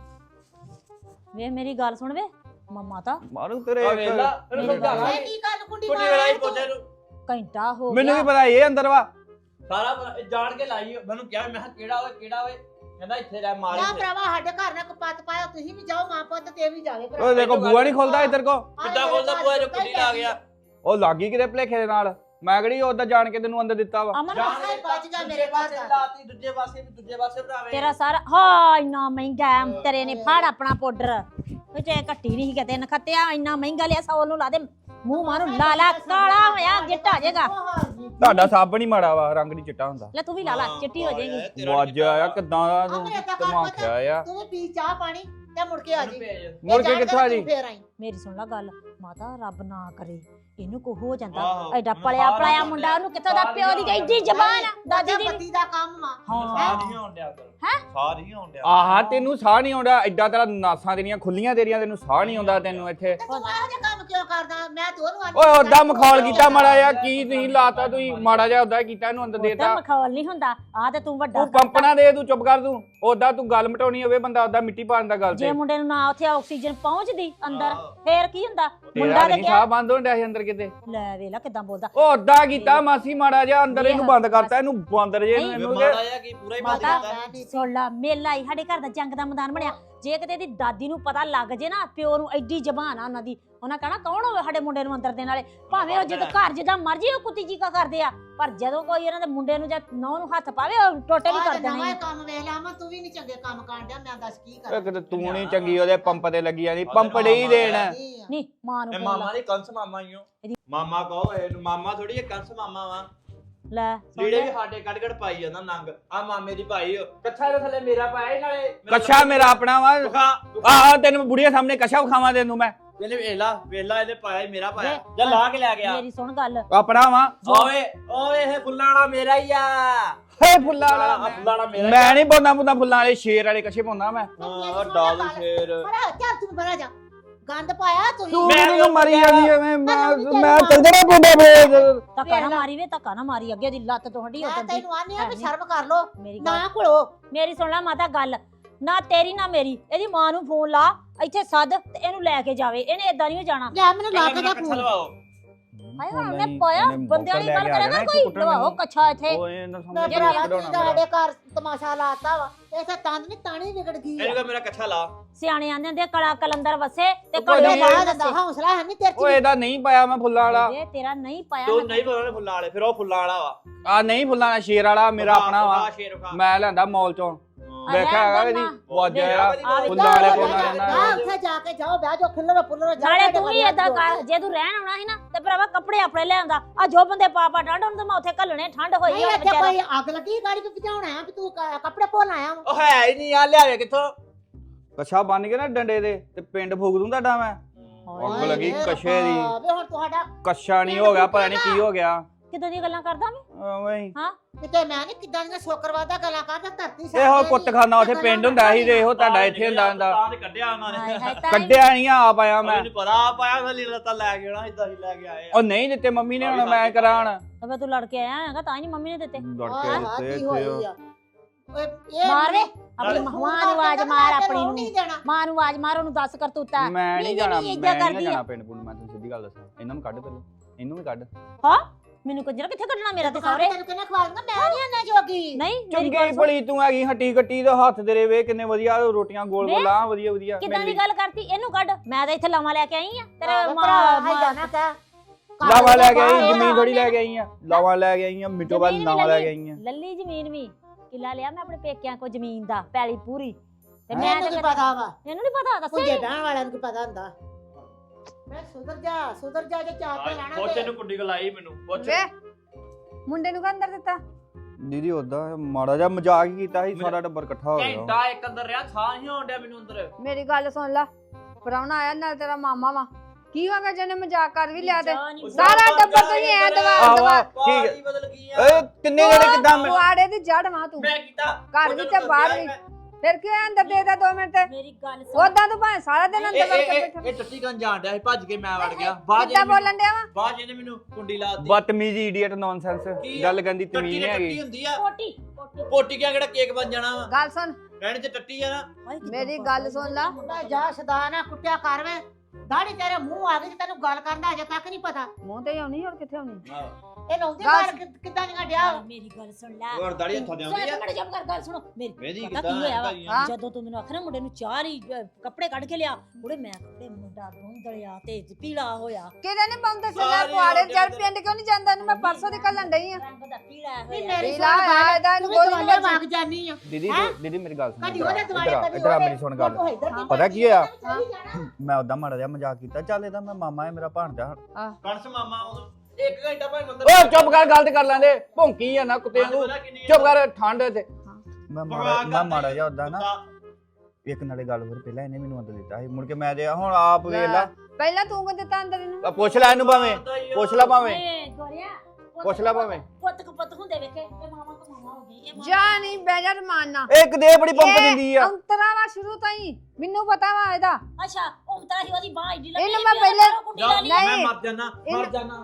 [SPEAKER 3] ਵੇ ਮੇਰੀ ਗੱਲ ਸੁਣ ਵੇ ਮੰਮਾ ਤਾਂ
[SPEAKER 4] ਮਾਰੂ ਤੇਰੇ
[SPEAKER 5] ਆ ਵੇਲਾ
[SPEAKER 3] ਮੇਰੀ
[SPEAKER 5] ਇਹਨੂੰ
[SPEAKER 3] ਗੱਲ
[SPEAKER 5] ਸਮਝਾ
[SPEAKER 1] ਇਹ ਕੀ ਗੱਲ ਕੁੰਡੀ
[SPEAKER 5] ਕੁੰਡੀ
[SPEAKER 1] ਮਾਰ
[SPEAKER 5] ਲੜਾਈ ਪੋਚੇ ਨੂੰ
[SPEAKER 3] ਘੰਟਾ ਹੋ
[SPEAKER 4] ਮੈਨੂੰ
[SPEAKER 3] ਗਿਆ
[SPEAKER 4] ਕੀ ਪਤਾ ਇਹ ਅੰਦਰ ਵਾ
[SPEAKER 5] ਸਾਰਾ ਪਤਾ- ਇਹ ਜਾਣ ਕੇ ਲਾਈ ਮੈਨੂੰ ਕਿਹਾ ਮੈਂ ਕਿਹਾ ਕਿਹੜਾ ਓਏ ਕਿਹੜਾ ਓਏ ਕਹਿੰਦਾ ਇੱਥੇ ਰਹਿ ਮਾਰ
[SPEAKER 1] ਨਾ
[SPEAKER 5] ਇੱਥੇ
[SPEAKER 1] ਭਰਾਵਾ ਸਾਡੇ ਘਰ ਨਾ ਕਪੱਤ ਪਾਇਆ ਤੁਸੀਂ ਵੀ ਜਾਓ ਮਾਂ ਪੁੱਤ ਤੇ ਵੀ ਜਾਵੇ
[SPEAKER 4] ਉਹ ਦੇਖੋ ਬੂਆ ਨਹੀਂ ਖੁੱਲਦਾ ਇੱਧਰ ਕੋ
[SPEAKER 5] ਕਿੱਦਾਂ ਬੋਲਦਾ ਬੂਆ ਜੋ ਕੁੰਡੀ ਲਾ ਗਿਆ
[SPEAKER 4] ਉਹ ਲੱਗੀ ਕਿਤੇ ਭਲੇਖੇ ਦੇ ਨਾਲ ਮੈਂ ਕਿਹੜੀ ਉਹਦਾ ਜਾਣ ਕੇ ਤੈਨੂੰ ਅੰਦਰ ਦਿੱਤਾ ਵਾ
[SPEAKER 3] ਅਮਨ
[SPEAKER 5] ਜਾਣ
[SPEAKER 1] ਕੇ ਬਚ ਗਿਆ ਮੇਰੇ ਘਰ ਦਾ।
[SPEAKER 5] ਲਾਤੀ ਦੂਜੇ ਪਾਸੇ ਵੀ ਦੂਜੇ ਪਾਸੇ ਭਰਾਵੇ
[SPEAKER 3] ਤੇਰਾ ਸਾਰਾ ਹਾਂ ਇੰਨਾ ਮਹਿੰਗਾ ਹੈ, ਤੇਰੇ ਨੇ ਫੜ ਆਪਣਾ ਪਾਊਡਰ ਵਿੱਚ ਇਹ ਘੱਟੀ ਨਹੀਂ ਕਿਤੇ ਨਖੱਤਿਆ ਇੰਨਾ ਮਹਿੰਗਾ ਲਿਆ ਸੌ ਨੂੰ ਲਾ ਦੇ ਮੂੰਹ ਮਾਰੂ ਲਾਲਾ ਕਾਲਾ ਹੋਇਆ ਗਿੱਟਾ ਜਾਏਗਾ
[SPEAKER 4] ਤੁਹਾਡਾ ਸੱਬ ਨਹੀਂ ਮਾੜਾ ਵਾ ਰੰਗ ਨਹੀਂ ਚਿੱਟਾ ਹੁੰਦਾ
[SPEAKER 3] ਲੈ ਤੂੰ ਵੀ ਲਾ ਲਾ ਚਿੱਟੀ ਹੋ ਜਾਏਗੀ
[SPEAKER 4] ਵਾਜ ਆਇਆ ਕਿਦਾਂ ਦਾ ਤੂੰ
[SPEAKER 1] ਅਮਰੇ ਤਾਂ
[SPEAKER 4] ਧਮਾਕਿਆ ਆ
[SPEAKER 1] ਤੂੰ ਵੀ ਪੀ ਚਾਹ ਪਾਣੀ ਤੇ ਮੁੜ ਕੇ ਆ ਜੀ
[SPEAKER 4] ਮੁੜ ਕੇ ਕਿੱਥੋਂ ਆ ਜੀ
[SPEAKER 1] ਫੇਰ ਆਈ
[SPEAKER 3] ਮੇਰੀ ਸੁਣ ਲੈ ਗੱਲ ਮਾਤਾ ਰੱਬ ਨਾ ਕਰੇ ਇਹਨੂੰ ਕੋ ਹੋ ਜਾਂਦਾ
[SPEAKER 5] ਆਹੋ,
[SPEAKER 3] ਐਡਾ
[SPEAKER 5] ਮੈਨੂੰ
[SPEAKER 3] ਪਲਿਆ
[SPEAKER 5] ਸਾਰਾ
[SPEAKER 3] ਪਲਾਇਆ
[SPEAKER 5] ਹੀ
[SPEAKER 3] ਮੁੰਡਾ ਉਹਨੂੰ ਕਿੱਥੋਂ ਦਾ
[SPEAKER 5] ਸਾਰਾ
[SPEAKER 3] ਪਿਓ ਦੀ
[SPEAKER 5] ਹੀ
[SPEAKER 3] ਐਡੀ ਜ਼ਬਾਨ ਆ ਦਾਦੀ
[SPEAKER 1] ਦਾਦੀ
[SPEAKER 3] ਦੀ
[SPEAKER 1] ਪਤੀ ਦਾ ਕੰਮ ਵਾ
[SPEAKER 3] ਹਾਂ
[SPEAKER 5] ਸਾਰੀ ਹੋਣ ਡਿਆ ਕਰ
[SPEAKER 3] ਹੈਂ?
[SPEAKER 5] ਸਾਰੀ ਹੋਣ ਡਿਆ
[SPEAKER 4] ਆਹਾ ਤੈਨੂੰ ਸਾਹ ਨਹੀਂ ਆਉਂਦਾ ਐਡਾ ਤੇਰਾ ਨਾਸਾਂ ਤੇਰੀਆਂ ਖੁੱਲੀਆਂ ਤੇਰੀਆਂ ਤੈਨੂੰ ਸਾਹ ਨਹੀਂ ਆਉਂਦਾ ਤੈਨੂੰ ਇੱਥੇ
[SPEAKER 1] ਤੇ ਤੂੰ ਇਹੋ ਜਿਹਾ ਕੰਮ ਕਿਉਂ ਕਰਦਾ ਮੈਂ ਤੇ ਉਹਨੂੰ ਆਂਦੀ
[SPEAKER 4] ਓਏ ਓਦਾਂ ਮਖੌਲ ਕੀਤਾ ਮਾੜਾ ਜਿਹਾ ਕੀ ਤੁਸੀਂ ਲਾਤਾ ਤੁਸੀਂ ਮਾੜਾ ਜਿਹਾ ਓਦਾਂ ਕੀਤਾ ਇਹਨੂੰ ਅੰਦਰ
[SPEAKER 3] ਉਹਦਾ
[SPEAKER 4] ਦੇਤਾ
[SPEAKER 3] ਮਖੌਲ ਨਹੀਂ ਹੁੰਦਾ ਆ ਤੇ ਤੂੰ ਵੱਡਾ
[SPEAKER 4] ਤੂੰ ਪੰਪਣਾ ਦੇ ਤੂੰ ਚੁੱਪ ਕਰ ਤੂੰ ਓਦਾਂ ਤੂੰ ਗੱਲ ਮਟਾਉਣੀ ਹੋਵੇ ਬੰਦਾ ਓਦਾਂ ਮਿੱਟੀ ਪਾਣ ਦਾ ਗੱਲ
[SPEAKER 3] ਜੇ
[SPEAKER 4] ਤੇ
[SPEAKER 3] ਮੁੰਡੇ ਨੂੰ ਨਾ ਉੱਥੇ ਆਕਸੀਜਨ ਪਹੁੰਚਦੀ ਅੰਦਰ
[SPEAKER 5] ਆਹੋ।
[SPEAKER 3] ਫੇਰ ਕੀ ਹੁੰਦਾ
[SPEAKER 4] ਤੇਰਾ
[SPEAKER 3] ਮੁੰਡਾ ਤੇ
[SPEAKER 4] ਨਹੀਂ
[SPEAKER 3] ਗਿਆ
[SPEAKER 4] ਸਾਹ ਬੰਦ ਹੋਣ ਡਿਆ ਸੀ ਅੰਦਰ ਕਿਤੇ
[SPEAKER 3] ਲੈ ਵੇਲਾ ਕਿਦਾਂ ਬੋਲਦਾ
[SPEAKER 4] ਉਹ ਓਦਾਂ ਕੀਤਾ ਮਾਸੀ ਮਾੜਾ ਜਿਹਾ ਅੰਦਰ ਇਹਨੂੰ ਬੰਦ ਕਰਤਾ ਇਹਨੂੰ ਬਾਂਦਰ ਜੇ ਨੂੰ
[SPEAKER 3] ਨਹੀਂ,
[SPEAKER 4] ਇਹਨੂੰ
[SPEAKER 5] ਮਾੜਾ ਜਿਹਾ ਕੀ ਪੂਰਾ ਹੀ ਬੰਦ
[SPEAKER 3] ਮਾਤਾ
[SPEAKER 5] ਕਰਤਾ
[SPEAKER 3] ਸੁਣ ਲਾ ਮੇਲਾ ਹੀ ਸਾਡੇ ਘਰ ਦਾ ਜੰਗ ਦਾ ਮੈਦਾਨ ਬਣਿਆ ਜੇ ਕਿਤੇ ਦੀ ਦਾਦੀ ਨੂੰ ਪਤਾ ਲੱਗ ਜੇ ਨਾ ਪਿਓ ਨੂੰ ਐਡੀ ਜ਼ਬਾਨ ਆ ਉਹਨਾਂ ਦੀ ਉਹਨਾਂ ਕਹਣਾ ਕੌਣ ਹੋਵੇ ਸਾਡੇ ਮੁੰਡੇ ਨੂੰ ਅੰਦਰ ਦੇਣ ਵਾਲੇ ਭਾਵੇਂ ਉਹ ਜਦੋਂ ਘਰ ਜਿੱਦਾਂ ਮਰਜੀ ਉਹ ਕੁੱਤੀ ਚੀਕਾ ਕਰਦੇ ਆ ਪਰ ਜਦੋਂ ਕੋਈ ਇਹਨਾਂ ਦੇ ਮੁੰਡੇ ਨੂੰ ਜਾਂ ਨੌ ਨੂੰ ਹੱਥ ਪਾਵੇ ਉਹ ਟੋਟੇ ਵੀ ਕਰ
[SPEAKER 1] ਨਵਾਂ
[SPEAKER 3] ਦੇਣੇ
[SPEAKER 1] ਹੀ ਕੰਮ ਵੇਖ ਲਿਆ ਮੈਂ ਤੂੰ ਵੀ ਨਹੀਂ ਚੰਗੇ ਕੰਮ ਕਰਨ ਡਿਆ ਮੈਂ ਦੱਸ ਕੀ
[SPEAKER 4] ਇਹ
[SPEAKER 1] ਕਰਾਂ
[SPEAKER 4] ਕਿਤੇ ਤੂੰ ਨਹੀਂ ਚੰਗੀ ਉਹਦੇ ਪੰਪ ਤੇ ਲੱਗੀ ਜਾਂਦੀ ਪੰਪ ਡੇ ਦੇਣ
[SPEAKER 3] ਨਹੀਂ ਮਾਂ ਨੂੰ
[SPEAKER 5] ਇਹ
[SPEAKER 3] ਫੋਨ ਲਾ
[SPEAKER 5] ਮਾਮਾ ਨਹੀਂ ਕੰਸ ਮਾਮਾ ਹੀ ਹੋ
[SPEAKER 3] ਇਹਦੀ-
[SPEAKER 5] ਮਾਮਾ ਕਹੋ ਇਹ ਮਾਮਾ ਥੋੜੀ ਇਹ ਕੰਸ ਮਾਮਾ ਵਾ
[SPEAKER 3] ਲੈ ਸੁਣ
[SPEAKER 5] ਲੀੜੇ
[SPEAKER 3] ਲੈ।
[SPEAKER 5] ਵੀ ਸਾਡੇ ਕੱਢ ਕੱਢ ਪਾਈ ਜਾਂਦਾ ਨੰਗ ਆ ਮਾਮੇ ਦੀ ਭਾਈ ਕੱਛਾ ਦੇ ਥੱਲੇ ਮੇਰਾ ਪਾਇਆ ਹੀ ਨਾਲੇ
[SPEAKER 4] ਕੱਛਾ ਮੇਰਾ ਆਪਣਾ ਵਾ
[SPEAKER 5] ਦੁਖਾ
[SPEAKER 4] ਆਹ ਤੈਨੂੰ ਬੁੜੀਆਂ ਸਾਹਮਣੇ ਕੱਛਾ ਵਿਖਾਵਾਂ ਤੈਨੂੰ ਮੈਂ
[SPEAKER 5] ਇਹਨੇ ਵੇਲਾ ਵੇਲਾ ਇਹਨੇ ਪਾਇਆ ਹੀ ਮੇਰਾ ਪਾਇਆ ਜਾ ਲਾ ਕੇ ਲੈ ਗਿਆ
[SPEAKER 3] ਮੇਰੀ ਸੁਣ ਗੱਲ
[SPEAKER 4] ਆਪਣਾ ਵਾ
[SPEAKER 5] ਓਏ ਓਏ ਇਹ ਫੁੱਲਾਂ ਵਾਲਾ ਮੇਰਾ ਹੀ ਆ
[SPEAKER 4] ਹੇ ਫੁੱਲਾ
[SPEAKER 5] ਆ
[SPEAKER 4] ਵਾਲਾ
[SPEAKER 5] ਫੁੱਲਾਂ ਵਾਲਾ ਮੇਰਾ
[SPEAKER 4] ਮੈਂ ਨਹੀਂ ਪਾਉਂਦਾ ਪੁੰਦਾ ਫੁੱਲਾਂ ਵਾਲੇ ਸ਼ੇਰ ਵਾਲੇ ਕੱਛੇ ਪਾਉਂਦਾ ਮੈਂ
[SPEAKER 5] ਹਾਂ ਡਾਲ ਸ਼ੇਰ
[SPEAKER 1] ਬੜਾ ਚੱਲ ਤੂੰ ਬੜਾ ਜਾ ਗੰਦ ਪਾਇਆ ਤੂੰ
[SPEAKER 4] ਤੂੰ
[SPEAKER 5] ਮੈਂ
[SPEAKER 4] ਮੈਨੂੰ ਮਰੀ ਜਾਂਦੀ ਐ ਮੈਂ ਮੈਂ
[SPEAKER 1] ਮੈਂ
[SPEAKER 4] ਮੈਂ ਚੱਲ ਜਾਣਾ ਪੁੰਦਾ ਫੇਰ
[SPEAKER 3] ਧੱਕਾ ਨਾ ਮਾਰੀ ਵੇ ਧੱਕਾ ਨਾ ਮਾਰੀ ਅੱਗੇ ਦੀ ਲੱਤ ਤੁਹਾਡੀ
[SPEAKER 1] ਮੈਂ
[SPEAKER 3] ਉਦੋਂ ਦੀ
[SPEAKER 1] ਤੈਨੂੰ ਆਨੀ ਆ ਵੀ
[SPEAKER 3] ਹੈ ਨੀ।
[SPEAKER 1] ਸ਼ਰਮ ਕਰ ਲੋ
[SPEAKER 3] ਮੇਰੀ ਗੱਲ
[SPEAKER 1] ਨਾ ਘੁਲੋ
[SPEAKER 3] ਮੇਰੀ ਸੁਣ ਲੈ ਮਾਤਾ ਗੱਲ ਨਾ ਤੇਰੀ ਨਾ ਮੇਰੀ ਇਹਦੀ ਮਾਂ ਨੂੰ ਫੋਨ ਲਾ ਇੱਥੇ ਸੱਦ ਤੇ ਇਹਨੂੰ ਲੈ ਕੇ ਜਾਵੇ ਇਹਨੇ ਏਦਾਂ ਨਹੀਂ ਜਾਣਾ
[SPEAKER 1] ਲੈ ਮੈਨੂੰ ਲਾ ਕੇ ਜਾ
[SPEAKER 5] ਕੱਛਾ
[SPEAKER 1] ਫੋਨ
[SPEAKER 5] ਲਵਾਓ
[SPEAKER 3] ਹਾਏ ਹੁਣ ਉਹਨੇ ਪਾਇਆ ਬੰਦਿਆਂ ਵਾਲੀ ਗੱਲ ਕਰੇਗਾ ਕੋਈ ਲਵਾਓ ਕੱਛਾ ਇੱਥੇ
[SPEAKER 4] ਓਏ ਇਹਨਾਂ
[SPEAKER 1] ਮੈਂ
[SPEAKER 4] ਸਾਹਮਣੇ
[SPEAKER 1] ਭਰਾਵਾ
[SPEAKER 4] ਕਢਾਉਣਾ
[SPEAKER 1] ਤੂੰ
[SPEAKER 4] ਮੇਰਾ।
[SPEAKER 1] ਸਾਡੇ ਘਰ ਤਮਾਸ਼ਾ ਲਾਤਾ ਵਾ ਇਥੇ ਤੰਦ ਨਹੀਂ ਤਾਣੀ ਵਿਗੜ ਗਈ
[SPEAKER 5] ਇਹਨੂੰ
[SPEAKER 1] ਆ
[SPEAKER 5] ਕਹ ਮੇਰਾ ਕੱਛਾ ਲਾ
[SPEAKER 3] ਸਿਆਣੇ ਆਂਦੇ ਹੁੰਦੇ ਕਲਾ ਕਲੰਦਰ ਵਸੇ ਤੇ
[SPEAKER 4] ਕੋਈ
[SPEAKER 3] ਘੜੋ
[SPEAKER 4] ਨਹੀਂ,
[SPEAKER 3] ਬਾਹਰ
[SPEAKER 1] ਲਾ
[SPEAKER 3] ਦੱਸੇ
[SPEAKER 1] ਦਿੰਦਾ ਹੌਸਲਾ ਹੈ ਨਹੀਂ ਤੇਰੇ ਚ
[SPEAKER 4] ਓਏ ਇਹਦਾ ਨਹੀਂ ਪਾਇਆ ਮੈਂ ਫੁੱਲਾਂ ਵਾਲਾ
[SPEAKER 3] ਜੇ ਤੇਰਾ ਨਹੀਂ ਪਾਇਆ
[SPEAKER 5] ਤੂੰ
[SPEAKER 3] ਮੈਂ-
[SPEAKER 5] ਨਹੀਂ ਬੋਲਣੇ ਫੁੱਲਾਂ ਵਾਲੇ ਫਿਰ ਉਹ ਫੁੱਲਾਂ ਵਾਲਾ ਵਾ
[SPEAKER 4] ਆ ਨਹੀਂ ਫੁੱਲਾਂ ਵਾਲਾ ਸ਼ੇਰ ਵਾਲਾ ਮੇਰਾ ਆਪਣਾ ਵਾ
[SPEAKER 5] ਵਿਖਾ ਸ਼ੇਰ ਵਿਖਾ
[SPEAKER 4] ਮੈਂ ਲਿਆਂਦਾ ਮਾਲ ਚੋਂ ਵੇਖਿਆ ਹੈਗਾ ਇਹਦੀ ਵਾਜ ਆਇਆ ਫੁੱਲਾਂ ਵਾਲੇ ਕੋਨਾ ਰਹਿਣਾ
[SPEAKER 1] ਨਾ ਉੱਥੇ ਜਾ ਕੇ ਜਾਓ ਬਹਿ ਜਾਓ ਖਿਲਰੋ ਪੁੱਲਰੋ ਜਾ
[SPEAKER 3] ਨਾਲੇ
[SPEAKER 1] ਕੇ
[SPEAKER 3] ਤੂੰ ਵੀ ਏਦਾਂ ਕਰ ਜੇ ਤੂੰ ਰਹਿਣ ਆਉਣਾ ਸੀ ਨਾ ਤੇ ਭਰਾਵਾ ਕੱਪੜੇ ਆਪਣੇ ਲੈ ਆਂਦਾ ਆ ਜੋ ਬੰਦੇ ਪਾਪਾ ਠੰਡ ਹੁਣ ਤੇ ਮੈਂ ਉੱਥੇ ਘੱਲਣੇ ਠੰਡ ਹੋਈ
[SPEAKER 1] ਨਹੀਂ
[SPEAKER 3] ਆ
[SPEAKER 1] ਇੱਥੇ
[SPEAKER 3] ਵਿਚਾਰਾ
[SPEAKER 1] ਕੋਈ ਅੱਗ ਲੱਗੀ ਗਾੜੀ ਨੂੰ ਭਜਾਉਣਾ ਆ ਵੀ ਤੂੰ ਕ- ਕੱਪੜੇ ਭੁੱਲ ਆਇਆ ਵਾ
[SPEAKER 5] ਉਹ ਹੈ ਹੀ ਨਹੀਂ ਆ ਲਿਆਵੇ ਕਿੱਥੋਂ
[SPEAKER 4] ਕੱਛਾ ਬੰਨ ਕੇ ਨਾ ਡੰਡੇ ਦੇ ਤੇ ਪਿੰਡ ਫੂਕ ਦੂੰ ਤੁਹਾਡਾ ਮੈਂ ਅੱਗ ਲੱਗੀ ਕੱਛੇ ਦੀ
[SPEAKER 1] ਵੇ ਹੁਣ ਤੁਹਾਡਾ
[SPEAKER 4] ਕੱਛਾ ਨਹੀਂ ਹੋ ਗਿਆ ਪਤਾ ਨਹੀਂ ਕੀ ਹੋ ਗਿਆ
[SPEAKER 3] ਕਿਦਾਂ ਦੀਆਂ ਗੱਲਾਂ ਕਰਦਾ ਮੈਂ
[SPEAKER 4] ਓਏ ਹੀ।
[SPEAKER 1] ਕਿਤੇ ਮੈਂ ਨਹੀਂ ਕਿਦਾਂ ਦੀਆਂ ਸ਼ੋਕਰਵਾਦਾ ਗੱਲਾਂ ਕਰਦਾ ਧਰਤੀ ਸਾਡੀ
[SPEAKER 4] ਇਹੋ ਕੁੱਤਖਾਨਾ ਉੱਥੇ ਪਿੰਡ ਹੁੰਦਾ ਸੀ ਤੇ ਇਹੋ ਤੁਹਾਡਾ ਇੱਥੇ ਹੁੰਦਾ ਹੁੰਦਾ
[SPEAKER 5] ਤਾਂ ਤੇ ਕੱਢਿਆ ਉਹਨਾਂ
[SPEAKER 3] ਹਾਏ
[SPEAKER 5] ਨੇ
[SPEAKER 3] ਹਾਏ ਤਾਂ
[SPEAKER 4] ਕੱਢਿਆ ਨਹੀਂ ਆ ਪਾਇਆ ਮੈਂ
[SPEAKER 5] ਮੈਨੂੰ ਪਤਾ ਆ ਪਾਇਆ ਉਹਨੇ ਲੀੜਾ ਤਾਂ ਲੈ ਕੇ ਆਉਣਾ ਇਦਾਂ ਹੀ ਲੈ ਕੇ ਆਏ ਆ
[SPEAKER 4] ਉਹ ਨਹੀਂ ਦਿੱਤੇ ਮੰਮੀ ਨੇ ਹੁਣ ਮੈਂ ਕਰਾਣ
[SPEAKER 3] ਤਬੇ ਤੂੰ ਲੜ ਕੇ ਆਇਆ ਹੈਗਾ ਤਾਂ ਹੀ ਨਹੀਂ ਮੰਮੀ ਨੇ ਦਿੱਤੇ
[SPEAKER 4] ਲੜ
[SPEAKER 1] ਆਹ
[SPEAKER 4] ਕੇ
[SPEAKER 1] ਹਾਂ
[SPEAKER 4] ਦਿੱਤੇ
[SPEAKER 1] ਕੀ ਹੋਈ
[SPEAKER 4] ਇੱਥੇ
[SPEAKER 1] ਆ ਓਏ ਇਹ
[SPEAKER 3] ਮਾਰ ਵੇ
[SPEAKER 1] ਨਹੀਂ-
[SPEAKER 3] ਆਪਣੀ
[SPEAKER 5] ਨਾਲੇ
[SPEAKER 3] ਮਾਂ ਨੂੰ ਆਵਾਜ਼ ਮਾਰ ਆਪਣੀ
[SPEAKER 1] ਨਹੀਂ
[SPEAKER 3] ਨੂੰ
[SPEAKER 1] ਦੇਣਾ
[SPEAKER 3] ਮਾਂ ਨੂੰ ਆਵਾਜ਼ ਮਾਰ ਉਹਨੂੰ ਦੱਸ ਕਰਤੂਤਾ
[SPEAKER 4] ਮੈਂ ਨਹੀਂ
[SPEAKER 3] ਨਹੀਂ,
[SPEAKER 4] ਜਾਣਾ
[SPEAKER 3] ਨਹੀਂ,
[SPEAKER 4] ਮੈਂ
[SPEAKER 3] ਏਦਾਂ
[SPEAKER 4] ਨਹੀਂ
[SPEAKER 3] ਕਰਦੀ ਆ।
[SPEAKER 4] ਜਾਣਾ ਪਿੰਡ ਪੁੰਡ ਮੈਂ ਤੁਹਾਨੂੰ ਸਿੱਧੀ ਗੱਲ ਦੱਸਾਂ ਇਹਨਾਂ ਨੂੰ ਕੱਢ ਪਹਿਲਾਂ ਇਹਨੂੰ ਵੀ ਕੱਢ
[SPEAKER 3] ਹਾਂ ਮੈਨੂੰ ਕੰਜਰਾ ਕਿੱਥੇ ਕੱਢਣਾ ਮੇਰਾ ਤੇ ਸਹੁਰੇ
[SPEAKER 1] ਤੈਨੂੰ ਕਿਹਨੇ ਖਵਾ ਦੂੰਗਾ ਮੈਂ ਨਹੀਂ ਅੰਨਾ ਜੋਗੀ
[SPEAKER 3] ਨਹੀਂ ਮੇਰੀ
[SPEAKER 4] ਚੰਗੀ
[SPEAKER 3] ਗੱਲ ਸੁਣ
[SPEAKER 4] ਭਲੀ ਤੂੰ ਹੈਗੀ ਹੱਟੀ ਕੱਟੀ ਦੇ ਹੱਥ ਤੇਰੇ ਵੇ ਕਿੰਨੇ ਵਧੀਆ ਰੋਟੀਆਂ ਗੋਲ ਗੋਲ ਆ ਵਧੀਆ ਵਧੀਆ
[SPEAKER 3] ਕਿਦਾਂ
[SPEAKER 4] ਮਿਲ
[SPEAKER 3] ਦੀ ਗੱਲ ਕਰਤੀ ਇਹਨੂੰ ਕੱਢ ਮੈਂ ਤਾਂ ਇੱਥੇ ਲਾਵਾਂ ਲੈ ਕੇ ਆਈ ਆ ਤੇਰੇ
[SPEAKER 1] ਭਰਾ
[SPEAKER 3] ਮਾਂ
[SPEAKER 1] ਹਾਈ ਜਾਣਾ ਕਹਿ
[SPEAKER 4] ਲਾਵਾ ਲੈ ਕੇ ਆਈ
[SPEAKER 3] ਬਾਹਰ
[SPEAKER 4] ਜ਼ਮੀਨ ਥੋੜੀ
[SPEAKER 3] ਲਾਵਾ
[SPEAKER 4] ਲੈ ਕੇ ਆਈ ਆ ਲਾਵਾ ਲੈ ਕੇ ਆਈ ਆ ਮਿੱਟੋ ਬਾਦ
[SPEAKER 3] ਜ਼ਮੀਨ ਵੀ
[SPEAKER 4] ਲਾਵਾ ਲੈ
[SPEAKER 3] ਲੱਲੀ।
[SPEAKER 4] ਕੇ ਆਈ ਆ
[SPEAKER 3] ਲੱਲੀ ਜ਼ਮੀਨ ਵੀ ਕਿੱਲਾ ਲਿਆ ਮੈਂ ਆਪਣੇ ਪੇਕਿਆਂ ਕੋ ਜ਼ਮੀਨ ਦਾ ਪੈਲੀ ਪੂਰੀ ਤੇ ਮੈਂ
[SPEAKER 1] ਮੈਨੂੰ
[SPEAKER 3] ਤੇ
[SPEAKER 1] ਕੀ
[SPEAKER 3] ਕਦੇ-
[SPEAKER 1] ਪਤਾ ਵਾ
[SPEAKER 3] ਇਹਨੂੰ ਨਹੀਂ ਪਤਾ ਦੱਸੇ
[SPEAKER 1] ਪੁੱਜੇ ਬਹਿਣ ਵਾਲਿਆਂ ਨੂੰ ਕੀ ਪਤਾ ਹੁੰਦਾ ਮੈਂ ਸੁਧਰ ਜਾ ਸੁਧਰ ਜਾ ਜੇ ਚਾਹ ਕੇ ਲੈਣਾ
[SPEAKER 5] ਪੁੱਛ
[SPEAKER 1] ਤੇ
[SPEAKER 5] ਇਹਨੂੰ ਕੁੰਡੀ ਕੋ ਲਾਈ ਮੈਨੂੰ ਪੁੱਛ
[SPEAKER 2] ਵੇ ਮੁੰਡੇ ਨੂੰ ਕਾ ਅੰਦਰ ਦਿੱਤਾ?
[SPEAKER 4] ਦੀਦੀ ਉਦਾਂ ਮਾੜਾ ਜਿਹਾ ਮਜ਼ਾਕ ਹੀ ਕੀਤਾ ਸੀ, ਸਾਰਾ ਟੱਬਰ ਇਕੱਠਾ ਹੋ ਗਿਆ
[SPEAKER 5] ਘੰਟਾ ਇੱਕ ਅੰਦਰ ਰਿਹਾ, ਸਾਹ ਨਹੀਂ ਆਉਣ ਡਿਆ ਮੈਨੂੰ ਅੰਦਰ।
[SPEAKER 2] ਮੇਰੀ ਗੱਲ ਸੁਣ ਲੈ, ਪ੍ਰਾਹੁਣਾ ਆਇਆ ਨਾਲ ਤੇਰਾ ਮਾਮਾ ਵਾ, ਕੀ ਹੋ ਗਿਆ ਜਿਹਨੇ ਮਜ਼ਾਕ ਕਰ ਵੀ ਲਿਆ ਤੇ
[SPEAKER 3] ਜਾ ਨੀ
[SPEAKER 2] ਸਾਰਾ ਟੱਬਰ ਤੁਸੀਂ ਐ ਦਵਾ
[SPEAKER 4] ਆਹੋ,
[SPEAKER 2] ਦਵਾ
[SPEAKER 4] ਠੀਕ ਹੈ।
[SPEAKER 5] ਪਾਰਟੀ ਬਦਲ ਗਈ ਆ।
[SPEAKER 4] ਏ ਤਿੰਨੇ ਜਣੇ ਕਿੱਦਾਂ ਮੈਂ
[SPEAKER 2] ਕੁਆੜੇ ਦੀ ਜੜ ਵਾਂ ਤੂੰ,
[SPEAKER 5] ਮੈਂ ਕੀਤਾ
[SPEAKER 2] ਘਰ ਵੀ ਤੇ ਬਾਹਰ ਵੀ। ਫਿਰ ਕੀ ਹੋਇਆ ਅੰਦਰ ਦੇ ਦੇ ਦੋ ਮਿੰਟ ਤੇ
[SPEAKER 3] ਮੇਰੀ ਗੱਲ ਸੁਣ
[SPEAKER 2] ਉਦਾਂ ਤੂੰ ਭਾਵੇਂ ਸਾਰਾ ਦਿਨ
[SPEAKER 5] ਇਹ
[SPEAKER 2] ਅੰਦਰ ਵੜ ਕੇ
[SPEAKER 5] ਇਹ
[SPEAKER 2] ਬੈਠਾ
[SPEAKER 5] ਇਹ ਟੱਟੀ ਗੰਜ ਜਾਣ ਡਿਆ ਸੀ, ਭੱਜ ਕੇ ਮੈਂ ਵੜ ਗਿਆ। ਬਾਅਦ
[SPEAKER 2] ਕਿੱਦਾਂ
[SPEAKER 5] ਚ
[SPEAKER 2] ਬੋਲਣ ਡਿਆ ਵਾ?
[SPEAKER 5] ਬਾਅਦ ਚ ਇਹਨੇ ਮੈਨੂੰ ਕੁੰਡੀ ਲਾ ਦਿੱਤੀ।
[SPEAKER 4] ਬਦਤਮੀਜ਼ੀ ਇਡੀਅਟ ਨੌਨਸੈਂਸ
[SPEAKER 5] ਕੀ ਆ?
[SPEAKER 4] ਗੱਲ ਕਹਿੰਦੀ
[SPEAKER 5] ਟੱਟੀ
[SPEAKER 4] ਤਮੀਜ਼
[SPEAKER 5] ਨੇ
[SPEAKER 4] ਨਹੀਂ
[SPEAKER 5] ਟੱਟੀ
[SPEAKER 4] ਹੈਗੀ।
[SPEAKER 5] ਹੁੰਦੀ ਆ,
[SPEAKER 3] ਕੋਟੀ ਕੋਟੀ
[SPEAKER 5] ਪੋਟੀ ਕਿਆ ਕਿਹੜਾ ਕੇਕ ਬਣ ਜਾਣਾ ਵਾ।
[SPEAKER 2] ਗੱਲ ਸੁਣ,
[SPEAKER 5] ਰਹਿਣ ਚ ਟੱਟੀ ਆ ਨਾ।
[SPEAKER 3] ਹਾਏ ਕਿੱਦਾਂ
[SPEAKER 2] ਮੇਰੀ
[SPEAKER 3] ਕਰਦਾ
[SPEAKER 2] ਗੱਲ ਸੁਣ ਲਾ।
[SPEAKER 1] ਲੈ ਜਾ ਸਦਾਨਾ ਕੁੱਟਿਆ ਕਰ ਵੇ, ਦਾੜੀ ਤੇਰੇ ਮੂੰਹ ਆ ਗਈ ਤੇ ਤੈਨੂੰ ਗੱਲ ਕਰਨ ਦਾ ਅਜੇ ਤੱਕ ਨਹੀਂ ਪਤਾ।
[SPEAKER 2] ਮੂੰਹ ਤੇ ਹੀ ਆਉਣੀ ਹੋਰ ਕਿੱਥੇ ਆਉਣੀ?
[SPEAKER 1] ਇਹ ਲਾਉਂਦੀ
[SPEAKER 2] ਗੱਲ-
[SPEAKER 1] ਘਰ ਕਿ- ਕਿੱਦਾਂ ਦੀਆਂ ਡਿਆ ਵਾ।
[SPEAKER 3] ਮੇਰੀ ਗੱਲ ਸੁਣ ਲੈ
[SPEAKER 5] ਹੋਰ ਦਾੜੀ ਹੱਥਾਂ ਦੇ ਆਉਂਦੀ ਆ।
[SPEAKER 3] ਸੁਣ ਜਮ ਕਰ ਗੱਲ ਸੁਣੋ ਮੇਰੀ
[SPEAKER 5] ਵੇਦੀ
[SPEAKER 3] ਪਤਾ
[SPEAKER 5] ਕਿਦਾਂ
[SPEAKER 3] ਕੀ ਹੋਇਆ ਵਾ?
[SPEAKER 2] ਹਾਂ।
[SPEAKER 3] ਜਦੋਂ ਤੂੰ ਮੈਨੂੰ ਆਖਣਾ ਮੁੰਡੇ ਨੂੰ ਚਾਹ ਲਈ ਅਹ, ਕੱਪੜੇ ਕੱਢ ਕੇ ਲਿਆ ਕੁੜੇ ਮੈਂ ਕੱਪੜੇ ਮੁੰਡਾ ਧੁੰਦਲਿਆ ਤੇ ਪੀਲਾ ਹੋਇਆ
[SPEAKER 2] ਕਿਹਦੇ ਨੇ ਬੰਦੇ ਚੱਲਿਆ
[SPEAKER 5] ਸਾਰੇ
[SPEAKER 2] ਕੁਆੜੇ
[SPEAKER 5] ਆਉਂਦੇ
[SPEAKER 2] ਜੜ
[SPEAKER 5] ਨੇ।
[SPEAKER 2] ਪਿੰਡ ਕਿਉਂ ਨਹੀਂ ਜਾਂਦਾ ਇਹਨੂੰ? ਮੈਂ ਪਰਸੋਂ ਦੀ ਕੱਲਣ ਡਈ ਆ।
[SPEAKER 3] ਰੰਗ ਦਾ ਪੀਲਾ
[SPEAKER 1] ਨਹੀਂ
[SPEAKER 3] ਹੋਇਆ
[SPEAKER 1] ਮੇਰੀ
[SPEAKER 2] ਪੀਲਾ
[SPEAKER 1] ਸੁਣ
[SPEAKER 2] ਹੋਇਆ
[SPEAKER 1] ਗੱਲ,
[SPEAKER 2] ਇਹਦਾ
[SPEAKER 1] ਤੂੰ
[SPEAKER 2] ਇਹਨੂੰ ਗੋਲੀ
[SPEAKER 1] ਦੁਆਲੇ
[SPEAKER 2] ਲੱਗੀ।
[SPEAKER 1] ਵਗ ਜਾਨੀ ਆ।
[SPEAKER 4] ਦੀਦੀ
[SPEAKER 1] ਹੈਂ?
[SPEAKER 4] ਦੀਦੀ ਮੇਰੀ ਗੱਲ ਸੁਣ
[SPEAKER 1] ਕਦੀ
[SPEAKER 4] ਇੱਧਰ ਆ,
[SPEAKER 1] ਉਹਦੇ
[SPEAKER 4] ਇੱਧਰ
[SPEAKER 1] ਦੁਆਲੇ
[SPEAKER 4] ਆ,
[SPEAKER 1] ਕਦੀ
[SPEAKER 4] ਇੱਧਰ ਆ, ਮੇਰੀ
[SPEAKER 1] ਉਹਦੇ।
[SPEAKER 4] ਸੁਣ ਗੱਲ।
[SPEAKER 1] ਤੂੰ ਇੱਧਰ ਦੀ
[SPEAKER 4] ਪਤਾ ਕੀ ਹੋਇਆ?
[SPEAKER 1] ਚਲੀ ਜਾਣਾ।
[SPEAKER 4] ਮੈਂ ਉਦਾਂ ਮਾੜਾ ਜਿਹਾ ਮਜ਼ਾਕ ਕੀਤਾ, ਚੱਲ ਇਹਦਾ ਮੈਂ ਮਾਮਾ ਹੈ ਮੇਰਾ ਭਾਣਜਾ।
[SPEAKER 5] ਕਣਸ ਮਾਮਾ ਉਹਨੂੰ ਇੱਕ ਘੰਟਾ ਭਾਵੇਂ ਮੰਦਰ
[SPEAKER 4] ਓਏ ਚੁੱਪ ਕਰ, ਗੱਲ ਤੇ ਕਰ ਲੈਂਦੇ, ਭੌਂਕੀ ਆ ਨਾ ਕੁੱਤਿਆਂ ਨੂੰ। ਚੁੱਪ ਕਰ, ਠੰਡ ਤੇ ਮੈਂ ਮਾੜਾ ਮੈਂ ਮਾੜਾ ਜਿਹਾ ਉਦਾਂ ਨਾ ਇੱਕ ਨਾਲੇ ਗੱਲ ਹੋਰ, ਪਹਿਲਾਂ ਇਹਨੇ ਮੈਨੂੰ ਅੰਦਰ ਦਿੱਤਾ ਸੀ, ਮੁੜ ਕੇ ਮੈਂ ਦੇ ਹੁਣ ਆਪ ਵੇਖ ਲਾ।
[SPEAKER 2] ਪਹਿਲਾਂ ਤੂੰ ਕੋ ਦਿੱਤਾ ਅੰਦਰ ਇਹਨੂੰ?
[SPEAKER 4] ਆ ਪੁੱਛ ਲੈ ਇਹਨੂੰ ਭਾਵੇਂ, ਪੁੱਛ ਲੈ ਭਾਵੇਂ,
[SPEAKER 3] ਏ ਗੋਰਿਆ
[SPEAKER 4] ਪੁੱਛ ਲੈ ਭਾਵੇਂ।
[SPEAKER 3] ਪੁੱਤ ਕੋ ਪੁੱਤ ਹੁੰਦੇ ਵੇਖੇ ਇਹ ਮਾਮਾ ਕੋ ਮਾਮਾ ਹੋ ਗਈ ਇਹ ਮਾਮਾ-
[SPEAKER 2] ਜਾ ਨਹੀਂ ਬੈਜਰ ਮਾਰਨਾ।
[SPEAKER 4] ਇੱਕ ਦੇ ਬੜੀ ਪੰਪ ਦਿੰਦੀ ਆ।
[SPEAKER 2] ਅੰਤਰਾ ਵਾ ਸ਼ੁਰੂ ਤੋਂ ਹੀ ਮੈਨੂੰ ਪਤਾ ਵਾ ਇਹਦਾ।
[SPEAKER 3] ਅੱਛਾ ਉਮਤਰਾ ਹੀ ਉਹਦੀ ਬਾਹ ਏਡੀ ਲੱਗੀ
[SPEAKER 2] ਇਹਨੂੰ ਮੈਂ ਪਹਿਲੇ-
[SPEAKER 5] ਮੈਂ
[SPEAKER 2] ਨਹੀਂ।
[SPEAKER 5] ਮਰ ਜਾਣਾ ਮਰ ਜਾਣਾ।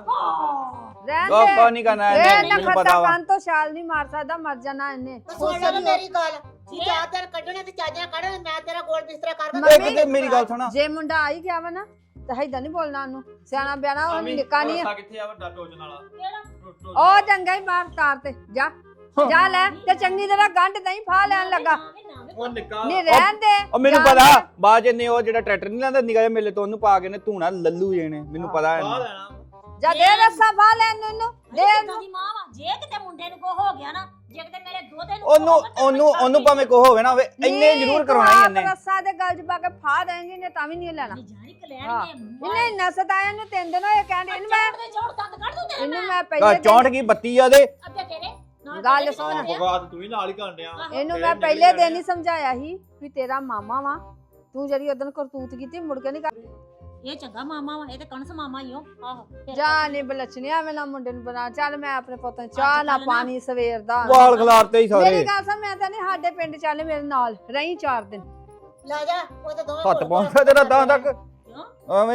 [SPEAKER 2] ਰਹਿਣ
[SPEAKER 4] ਉਹ
[SPEAKER 2] ਦੇ
[SPEAKER 4] ਕੋ ਨਹੀਂ ਕਰਨਾ
[SPEAKER 2] ਇਹ
[SPEAKER 4] ਇਹਨੇ,
[SPEAKER 2] ਨਾ
[SPEAKER 4] ਮੈਨੂੰ
[SPEAKER 2] ਖੱਤਾ
[SPEAKER 4] ਪਤਾ ਵਾ।
[SPEAKER 2] ਕੰਨ ਤੋਂ ਛਾਲ ਨਹੀਂ ਮਾਰ ਸਕਦਾ, ਮਰ ਜਾਣਾ ਇਹਨੇ।
[SPEAKER 1] ਤੂੰ ਸੁਣ ਲੈ ਮੇਰੀ ਗੱਲ, ਜੀ ਚਾਰ ਦਿਨ ਕੱਢਣੇ ਤੇ ਚਾਜਾਂ ਕੱਢਣੇ, ਮੈਂ ਤੇਰਾ ਗੋਲ ਬਿਸਤਰਾ ਕਰ
[SPEAKER 2] ਮੰਮੀ-
[SPEAKER 4] ਇੱਕ ਤੇ ਮੇਰੀ ਗੱਲ ਸੁਣਾ,
[SPEAKER 2] ਜੇ ਮੁੰਡਾ ਆ ਹੀ ਗਿਆ ਵਾ ਨਾ ਤਾਂ ਏਦਾਂ ਨਹੀਂ ਬੋਲਣਾ ਉਹਨੂੰ। ਸਿਆਣਾ ਬਿਆਣਾ ਉਹ
[SPEAKER 5] ਆਮੀ,
[SPEAKER 2] ਨਿੱਕਾ ਨਹੀਂ ਆ।
[SPEAKER 5] ਭਰੋਸਾ ਕਿੱਥੇ ਆ ਵੱਡਾ ਟੋਚਣ ਵਾਲਾ? ਟੋ- ਟੋ-
[SPEAKER 2] ਉਹ ਚੰਗਾ ਹੀ ਬਾਹਰ ਤਾਰ ਤੇ ਜਾ ਜਾ ਲੈ ਤੇ ਚੰਗੀ ਤਰ੍ਹਾਂ ਗੰਢ ਨਹੀਂ ਫਾ ਲੈਣ ਲੱਗਾ।
[SPEAKER 5] ਉਹ ਨਿੱਕਾ
[SPEAKER 2] ਨਹੀਂ ਰਹਿਣ ਦੇ।
[SPEAKER 4] ਉਹ ਮੈਨੂੰ
[SPEAKER 2] ਜਾਣ
[SPEAKER 4] ਪਤਾ
[SPEAKER 2] ਦੇ।
[SPEAKER 4] ਬਾਅਦ ਚ ਨੇ ਉਹ ਜਿਹੜਾ ਟਰੈਕਟਰ ਨਹੀਂ ਲੈਂਦਾ ਨਿਗਾਹ ਮੇਲੇ ਤੋਂ ਉਹਨੂੰ ਪਾ ਕੇ ਨੇ ਧੂਣਾ ਲੱਲੂ ਜਣੇ, ਮੈਨੂੰ ਪਤਾ
[SPEAKER 5] ਬਾਹ
[SPEAKER 4] ਹੈ।
[SPEAKER 5] ਲੈਣਾ।
[SPEAKER 2] ਜਾ ਦੇ ਰੱਸਾ ਫਾ ਲੈਣ ਨੂੰ ਇਹਨੂੰ ਦੇ
[SPEAKER 3] ਕਿੱਦਾਂ ਦੀ ਮਾਂ ਵਾ ਜੇ ਕਿਤੇ ਮੁੰਡੇ ਨੂੰ ਕੋ ਹੋ ਗਿਆ ਨਾ ਜੇ ਕਿਤੇ ਮੇਰੇ ਦੋਤੇ ਨੂੰ
[SPEAKER 4] ਉਹਨੂੰ ਉਹਨੂੰ ਉਹਨੂੰ ਭਾਵੇਂ ਕੋ ਹੋਵੇ ਨਾ ਹੋਵੇ, ਇੰਨੇ ਜ਼ਰੂਰ ਕਰਵਾਉਣਾ ਹੀ ਇਹਨੇ।
[SPEAKER 2] ਰੱਸਾ ਦੇ ਗਲ ਚ ਪਾ ਕੇ ਫਾ ਦੇਂਗੀ ਨੇ ਤਾਂ ਵੀ ਨਹੀਂ ਲੈਣਾ।
[SPEAKER 3] ਜਾਨੀ
[SPEAKER 2] ਹਾਂ।
[SPEAKER 3] ਕਲੈਣ
[SPEAKER 2] ਇਹਨੇ ਇੰਨਾ ਸਤਾਇਆ ਨੂੰ ਤਿੰਨ ਦਿਨ ਹੋਏ ਕਹਿੰਦੇ ਇਹਨੂੰ ਮੈਂ
[SPEAKER 3] ਦੇ ਜੋੜ ਦੰਦ ਕੱਢ ਦੂੰ ਤੇਰੇ
[SPEAKER 2] ਇਹਨੂੰ
[SPEAKER 3] ਮੈਂ
[SPEAKER 2] ਮੈਂ
[SPEAKER 4] ਆ
[SPEAKER 2] ਪਹਿਲੇ
[SPEAKER 4] ਚੌਂਠ ਕੀ ਬੱਤੀ ਆ ਦੇ।
[SPEAKER 3] ਅੱਗੇ ਤੇਰੇ ਨਾਲ
[SPEAKER 2] ਗੱਲ
[SPEAKER 3] ਤੇਰੇ
[SPEAKER 2] ਸੁਣ।
[SPEAKER 3] ਵੀ
[SPEAKER 5] ਬਗਾਤ ਤੂੰ ਵੀ ਨਾਲ ਹੀ ਕਰਨ ਡਿਆ।
[SPEAKER 3] ਆਹੋ।
[SPEAKER 2] ਇਹਨੂੰ
[SPEAKER 5] ਇਹ
[SPEAKER 2] ਮੈਂ
[SPEAKER 5] ਨਿਕਲ
[SPEAKER 2] ਪਹਿਲੇ ਦਿਨ
[SPEAKER 5] ਜਾਣੇ
[SPEAKER 2] ਹੀ ਸਮਝਾਇਆ ਸੀ ਵੀ ਤੇਰਾ ਮਾਮਾ ਵਾ, ਤੂੰ ਜਿਹੜੀ ਉਦੋਂ ਕਰਤੂਤ ਕੀਤੀ ਮੁੜ ਕੇ ਨਹੀਂ ਕਰ।
[SPEAKER 3] ਇਹ ਚੰਗਾ ਮਾਮਾ ਵਾ ਇਹ ਤੇ ਕਣਸ ਮਾਮਾ ਹੀ ਹੋ ਆਹੋ ਫਿਰ
[SPEAKER 2] ਜਾ ਨਹੀਂ ਬਲਚਣਿਆ ਮੈਂ ਨਾ ਮੁੰਡੇ ਨੂੰ ਬਣਾ। ਚੱਲ ਮੈਂ ਆਪਣੇ ਪੁੱਤ ਨੂੰ ਚਾਹ ਨਾ
[SPEAKER 3] ਅੱਜ ਕੱਲ੍ਹ ਨਾ-
[SPEAKER 2] ਪਾਣੀ ਸਵੇਰ ਦਾ।
[SPEAKER 4] ਵਾਲ ਖਲਾਰਤੇ ਹੀ
[SPEAKER 2] ਮੇਰੀ
[SPEAKER 4] ਸਾਰੇ
[SPEAKER 2] ਗੱਲ ਸੁਣ, ਮੈਂ ਤਾਂ ਨਹੀਂ ਸਾਡੇ ਪਿੰਡ ਚੱਲ ਮੇਰੇ ਨਾਲ ਰਹੀ ਚਾਰ ਦਿਨ।
[SPEAKER 1] ਲੈ ਜਾ, ਉਹ ਤਾਂ ਦੋਵੇਂ
[SPEAKER 4] ਹੱਥ
[SPEAKER 1] ਕੋਲ-
[SPEAKER 4] ਪਹੁੰਚਦਾ ਤੇਰਾ ਤਾਂ ਤੱਕ
[SPEAKER 3] ਕਿਉਂ
[SPEAKER 4] ਐਵੇਂ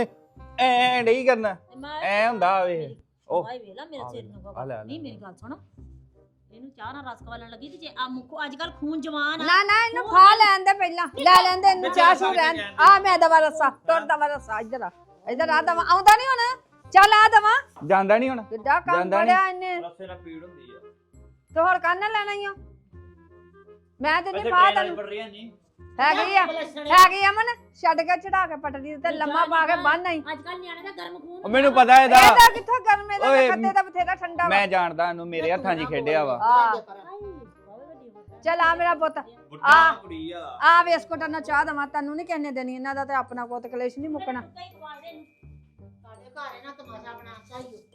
[SPEAKER 4] ਐ ਨਹੀਂ ਕਰਨਾ,
[SPEAKER 3] ਤੇ ਮੈਂ
[SPEAKER 4] ਐ ਹੁੰਦਾ ਵੇ। ਉਹ
[SPEAKER 3] ਭਾਈ ਵੇਲਾ ਮੇਰੇ
[SPEAKER 4] ਆ
[SPEAKER 3] ਸਿਰ
[SPEAKER 4] ਵੇਖ,
[SPEAKER 3] ਨੂੰ
[SPEAKER 4] ਆ ਲੈ, ਆ ਲੈ,
[SPEAKER 3] ਨਹੀਂ
[SPEAKER 4] ਆ
[SPEAKER 3] ਮੇਰੀ
[SPEAKER 4] ਲੈ।
[SPEAKER 3] ਗੱਲ ਸੁਣ ਇਹਨੂੰ ਚਾਹ ਨਾਲ ਰਸ ਖਵਾਲਣ ਲੱਗੀ ਤੇ ਜੇ ਆ ਮੁੱਖ ਅੱਜ ਕੱਲ ਖੂਨ ਜਵਾਨ ਆ
[SPEAKER 2] ਨਾ ਨਾ ਇਹਨੂੰ ਖਾ ਲੈਣ ਦੇ ਪਹਿਲਾਂ, ਲੈ ਲੈਂਦੇ ਇਹਨੂੰ ਚਾਹ ਸ਼ੂ ਰਹਿਣ। ਆ ਮੈਂ ਦਵਾ ਰੱਸਾ ਟੁੱਟ ਦਵਾ ਰੱਸਾ ਇੱਧਰ ਆ ਇੱਧਰ ਆ ਦਵਾ ਆਉਂਦਾ ਨਹੀਂ ਹੁਣ। ਚੱਲ ਆ ਦਵਾ
[SPEAKER 4] ਜਾਂਦਾ ਨਹੀਂ ਹੁਣ।
[SPEAKER 2] ਕਿੱਡਾ ਕੰਮ
[SPEAKER 4] ਜਾਂਦਾ ਨੀ।
[SPEAKER 2] ਬੜਿਆ ਇਹਨੇ
[SPEAKER 5] ਰਸੇ ਨਾਲ ਪੀੜ ਹੁੰਦੀ ਆ।
[SPEAKER 2] ਤੇ ਹੋਰ ਕੰਨ ਲੈਣਾ ਹੀ ਆ। ਮੈਂ ਤੇ
[SPEAKER 5] ਵੈਸੇ
[SPEAKER 2] ਨਹੀਂ ਪਾ
[SPEAKER 5] ਟ੍ਰੇਨ
[SPEAKER 2] ਤੈਨੂੰ
[SPEAKER 5] ਪੜ ਰਹੀ ਹੈ ਨਹੀਂ।
[SPEAKER 2] ਹੈਗੀ ਆ ਹੈਗੀ ਆ ਮਨ ਛੱਡ ਕੇ ਚੜਾ ਕੇ ਪਟੜੀ ਤੇ ਲੰਮਾ ਪਾ ਕੇ ਬੰਨ ਆਈ।
[SPEAKER 3] ਅੱਜ ਕੱਲ ਨਿਆਣੇ ਦਾ ਗਰਮ ਖੂਨ
[SPEAKER 4] ਉਹ ਮੈਨੂੰ ਪਤਾ ਇਹਦਾ,
[SPEAKER 2] ਇਹਦਾ ਕਿੱਥੋਂ ਗਰਮੇ ਦਾ
[SPEAKER 4] ਓਏ,
[SPEAKER 2] ਖੱਤੇ ਦਾ ਬਥੇਰਾ ਠੰਡਾ ਵਾ।
[SPEAKER 4] ਮੈਂ ਜਾਣਦਾ ਇਹਨੂੰ, ਮੇਰੇ ਹੱਥਾਂ 'ਚ ਹੀ ਖੇਡਿਆ ਵਾ।
[SPEAKER 2] ਆ
[SPEAKER 3] ਹਾਏ, ਬਾਵੇ ਵੱਡੀ ਹੋ ਗਈ।
[SPEAKER 2] ਚੱਲ ਆ ਮੇਰਾ ਪੁੱਤ
[SPEAKER 5] ਬੁੱਢਾ
[SPEAKER 2] ਆ।
[SPEAKER 5] ਕੁੜੀ ਆ।
[SPEAKER 2] ਆ ਬਿਸਕੁਟਾਂ ਨਾਲ ਚਾਹ ਦਵਾ ਤੈਨੂੰ ਨਹੀਂ ਕਹਿਣੇ ਦੇਣੀ, ਇਹਨਾਂ ਦਾ ਤੇ ਆਪਣਾ ਕੋਤ ਕਲੇਸ਼ ਨਹੀਂ ਮੁੱਕਣਾ।
[SPEAKER 3] ਕਈ ਖਵਾ ਦੇ ਇਹਨੂੰ।
[SPEAKER 1] ਸਾਡੇ ਘਰ ਇਹਨਾਂ ਤਮਾਸ਼ਾ ਬਣਾ ਚਾਹੀਏ।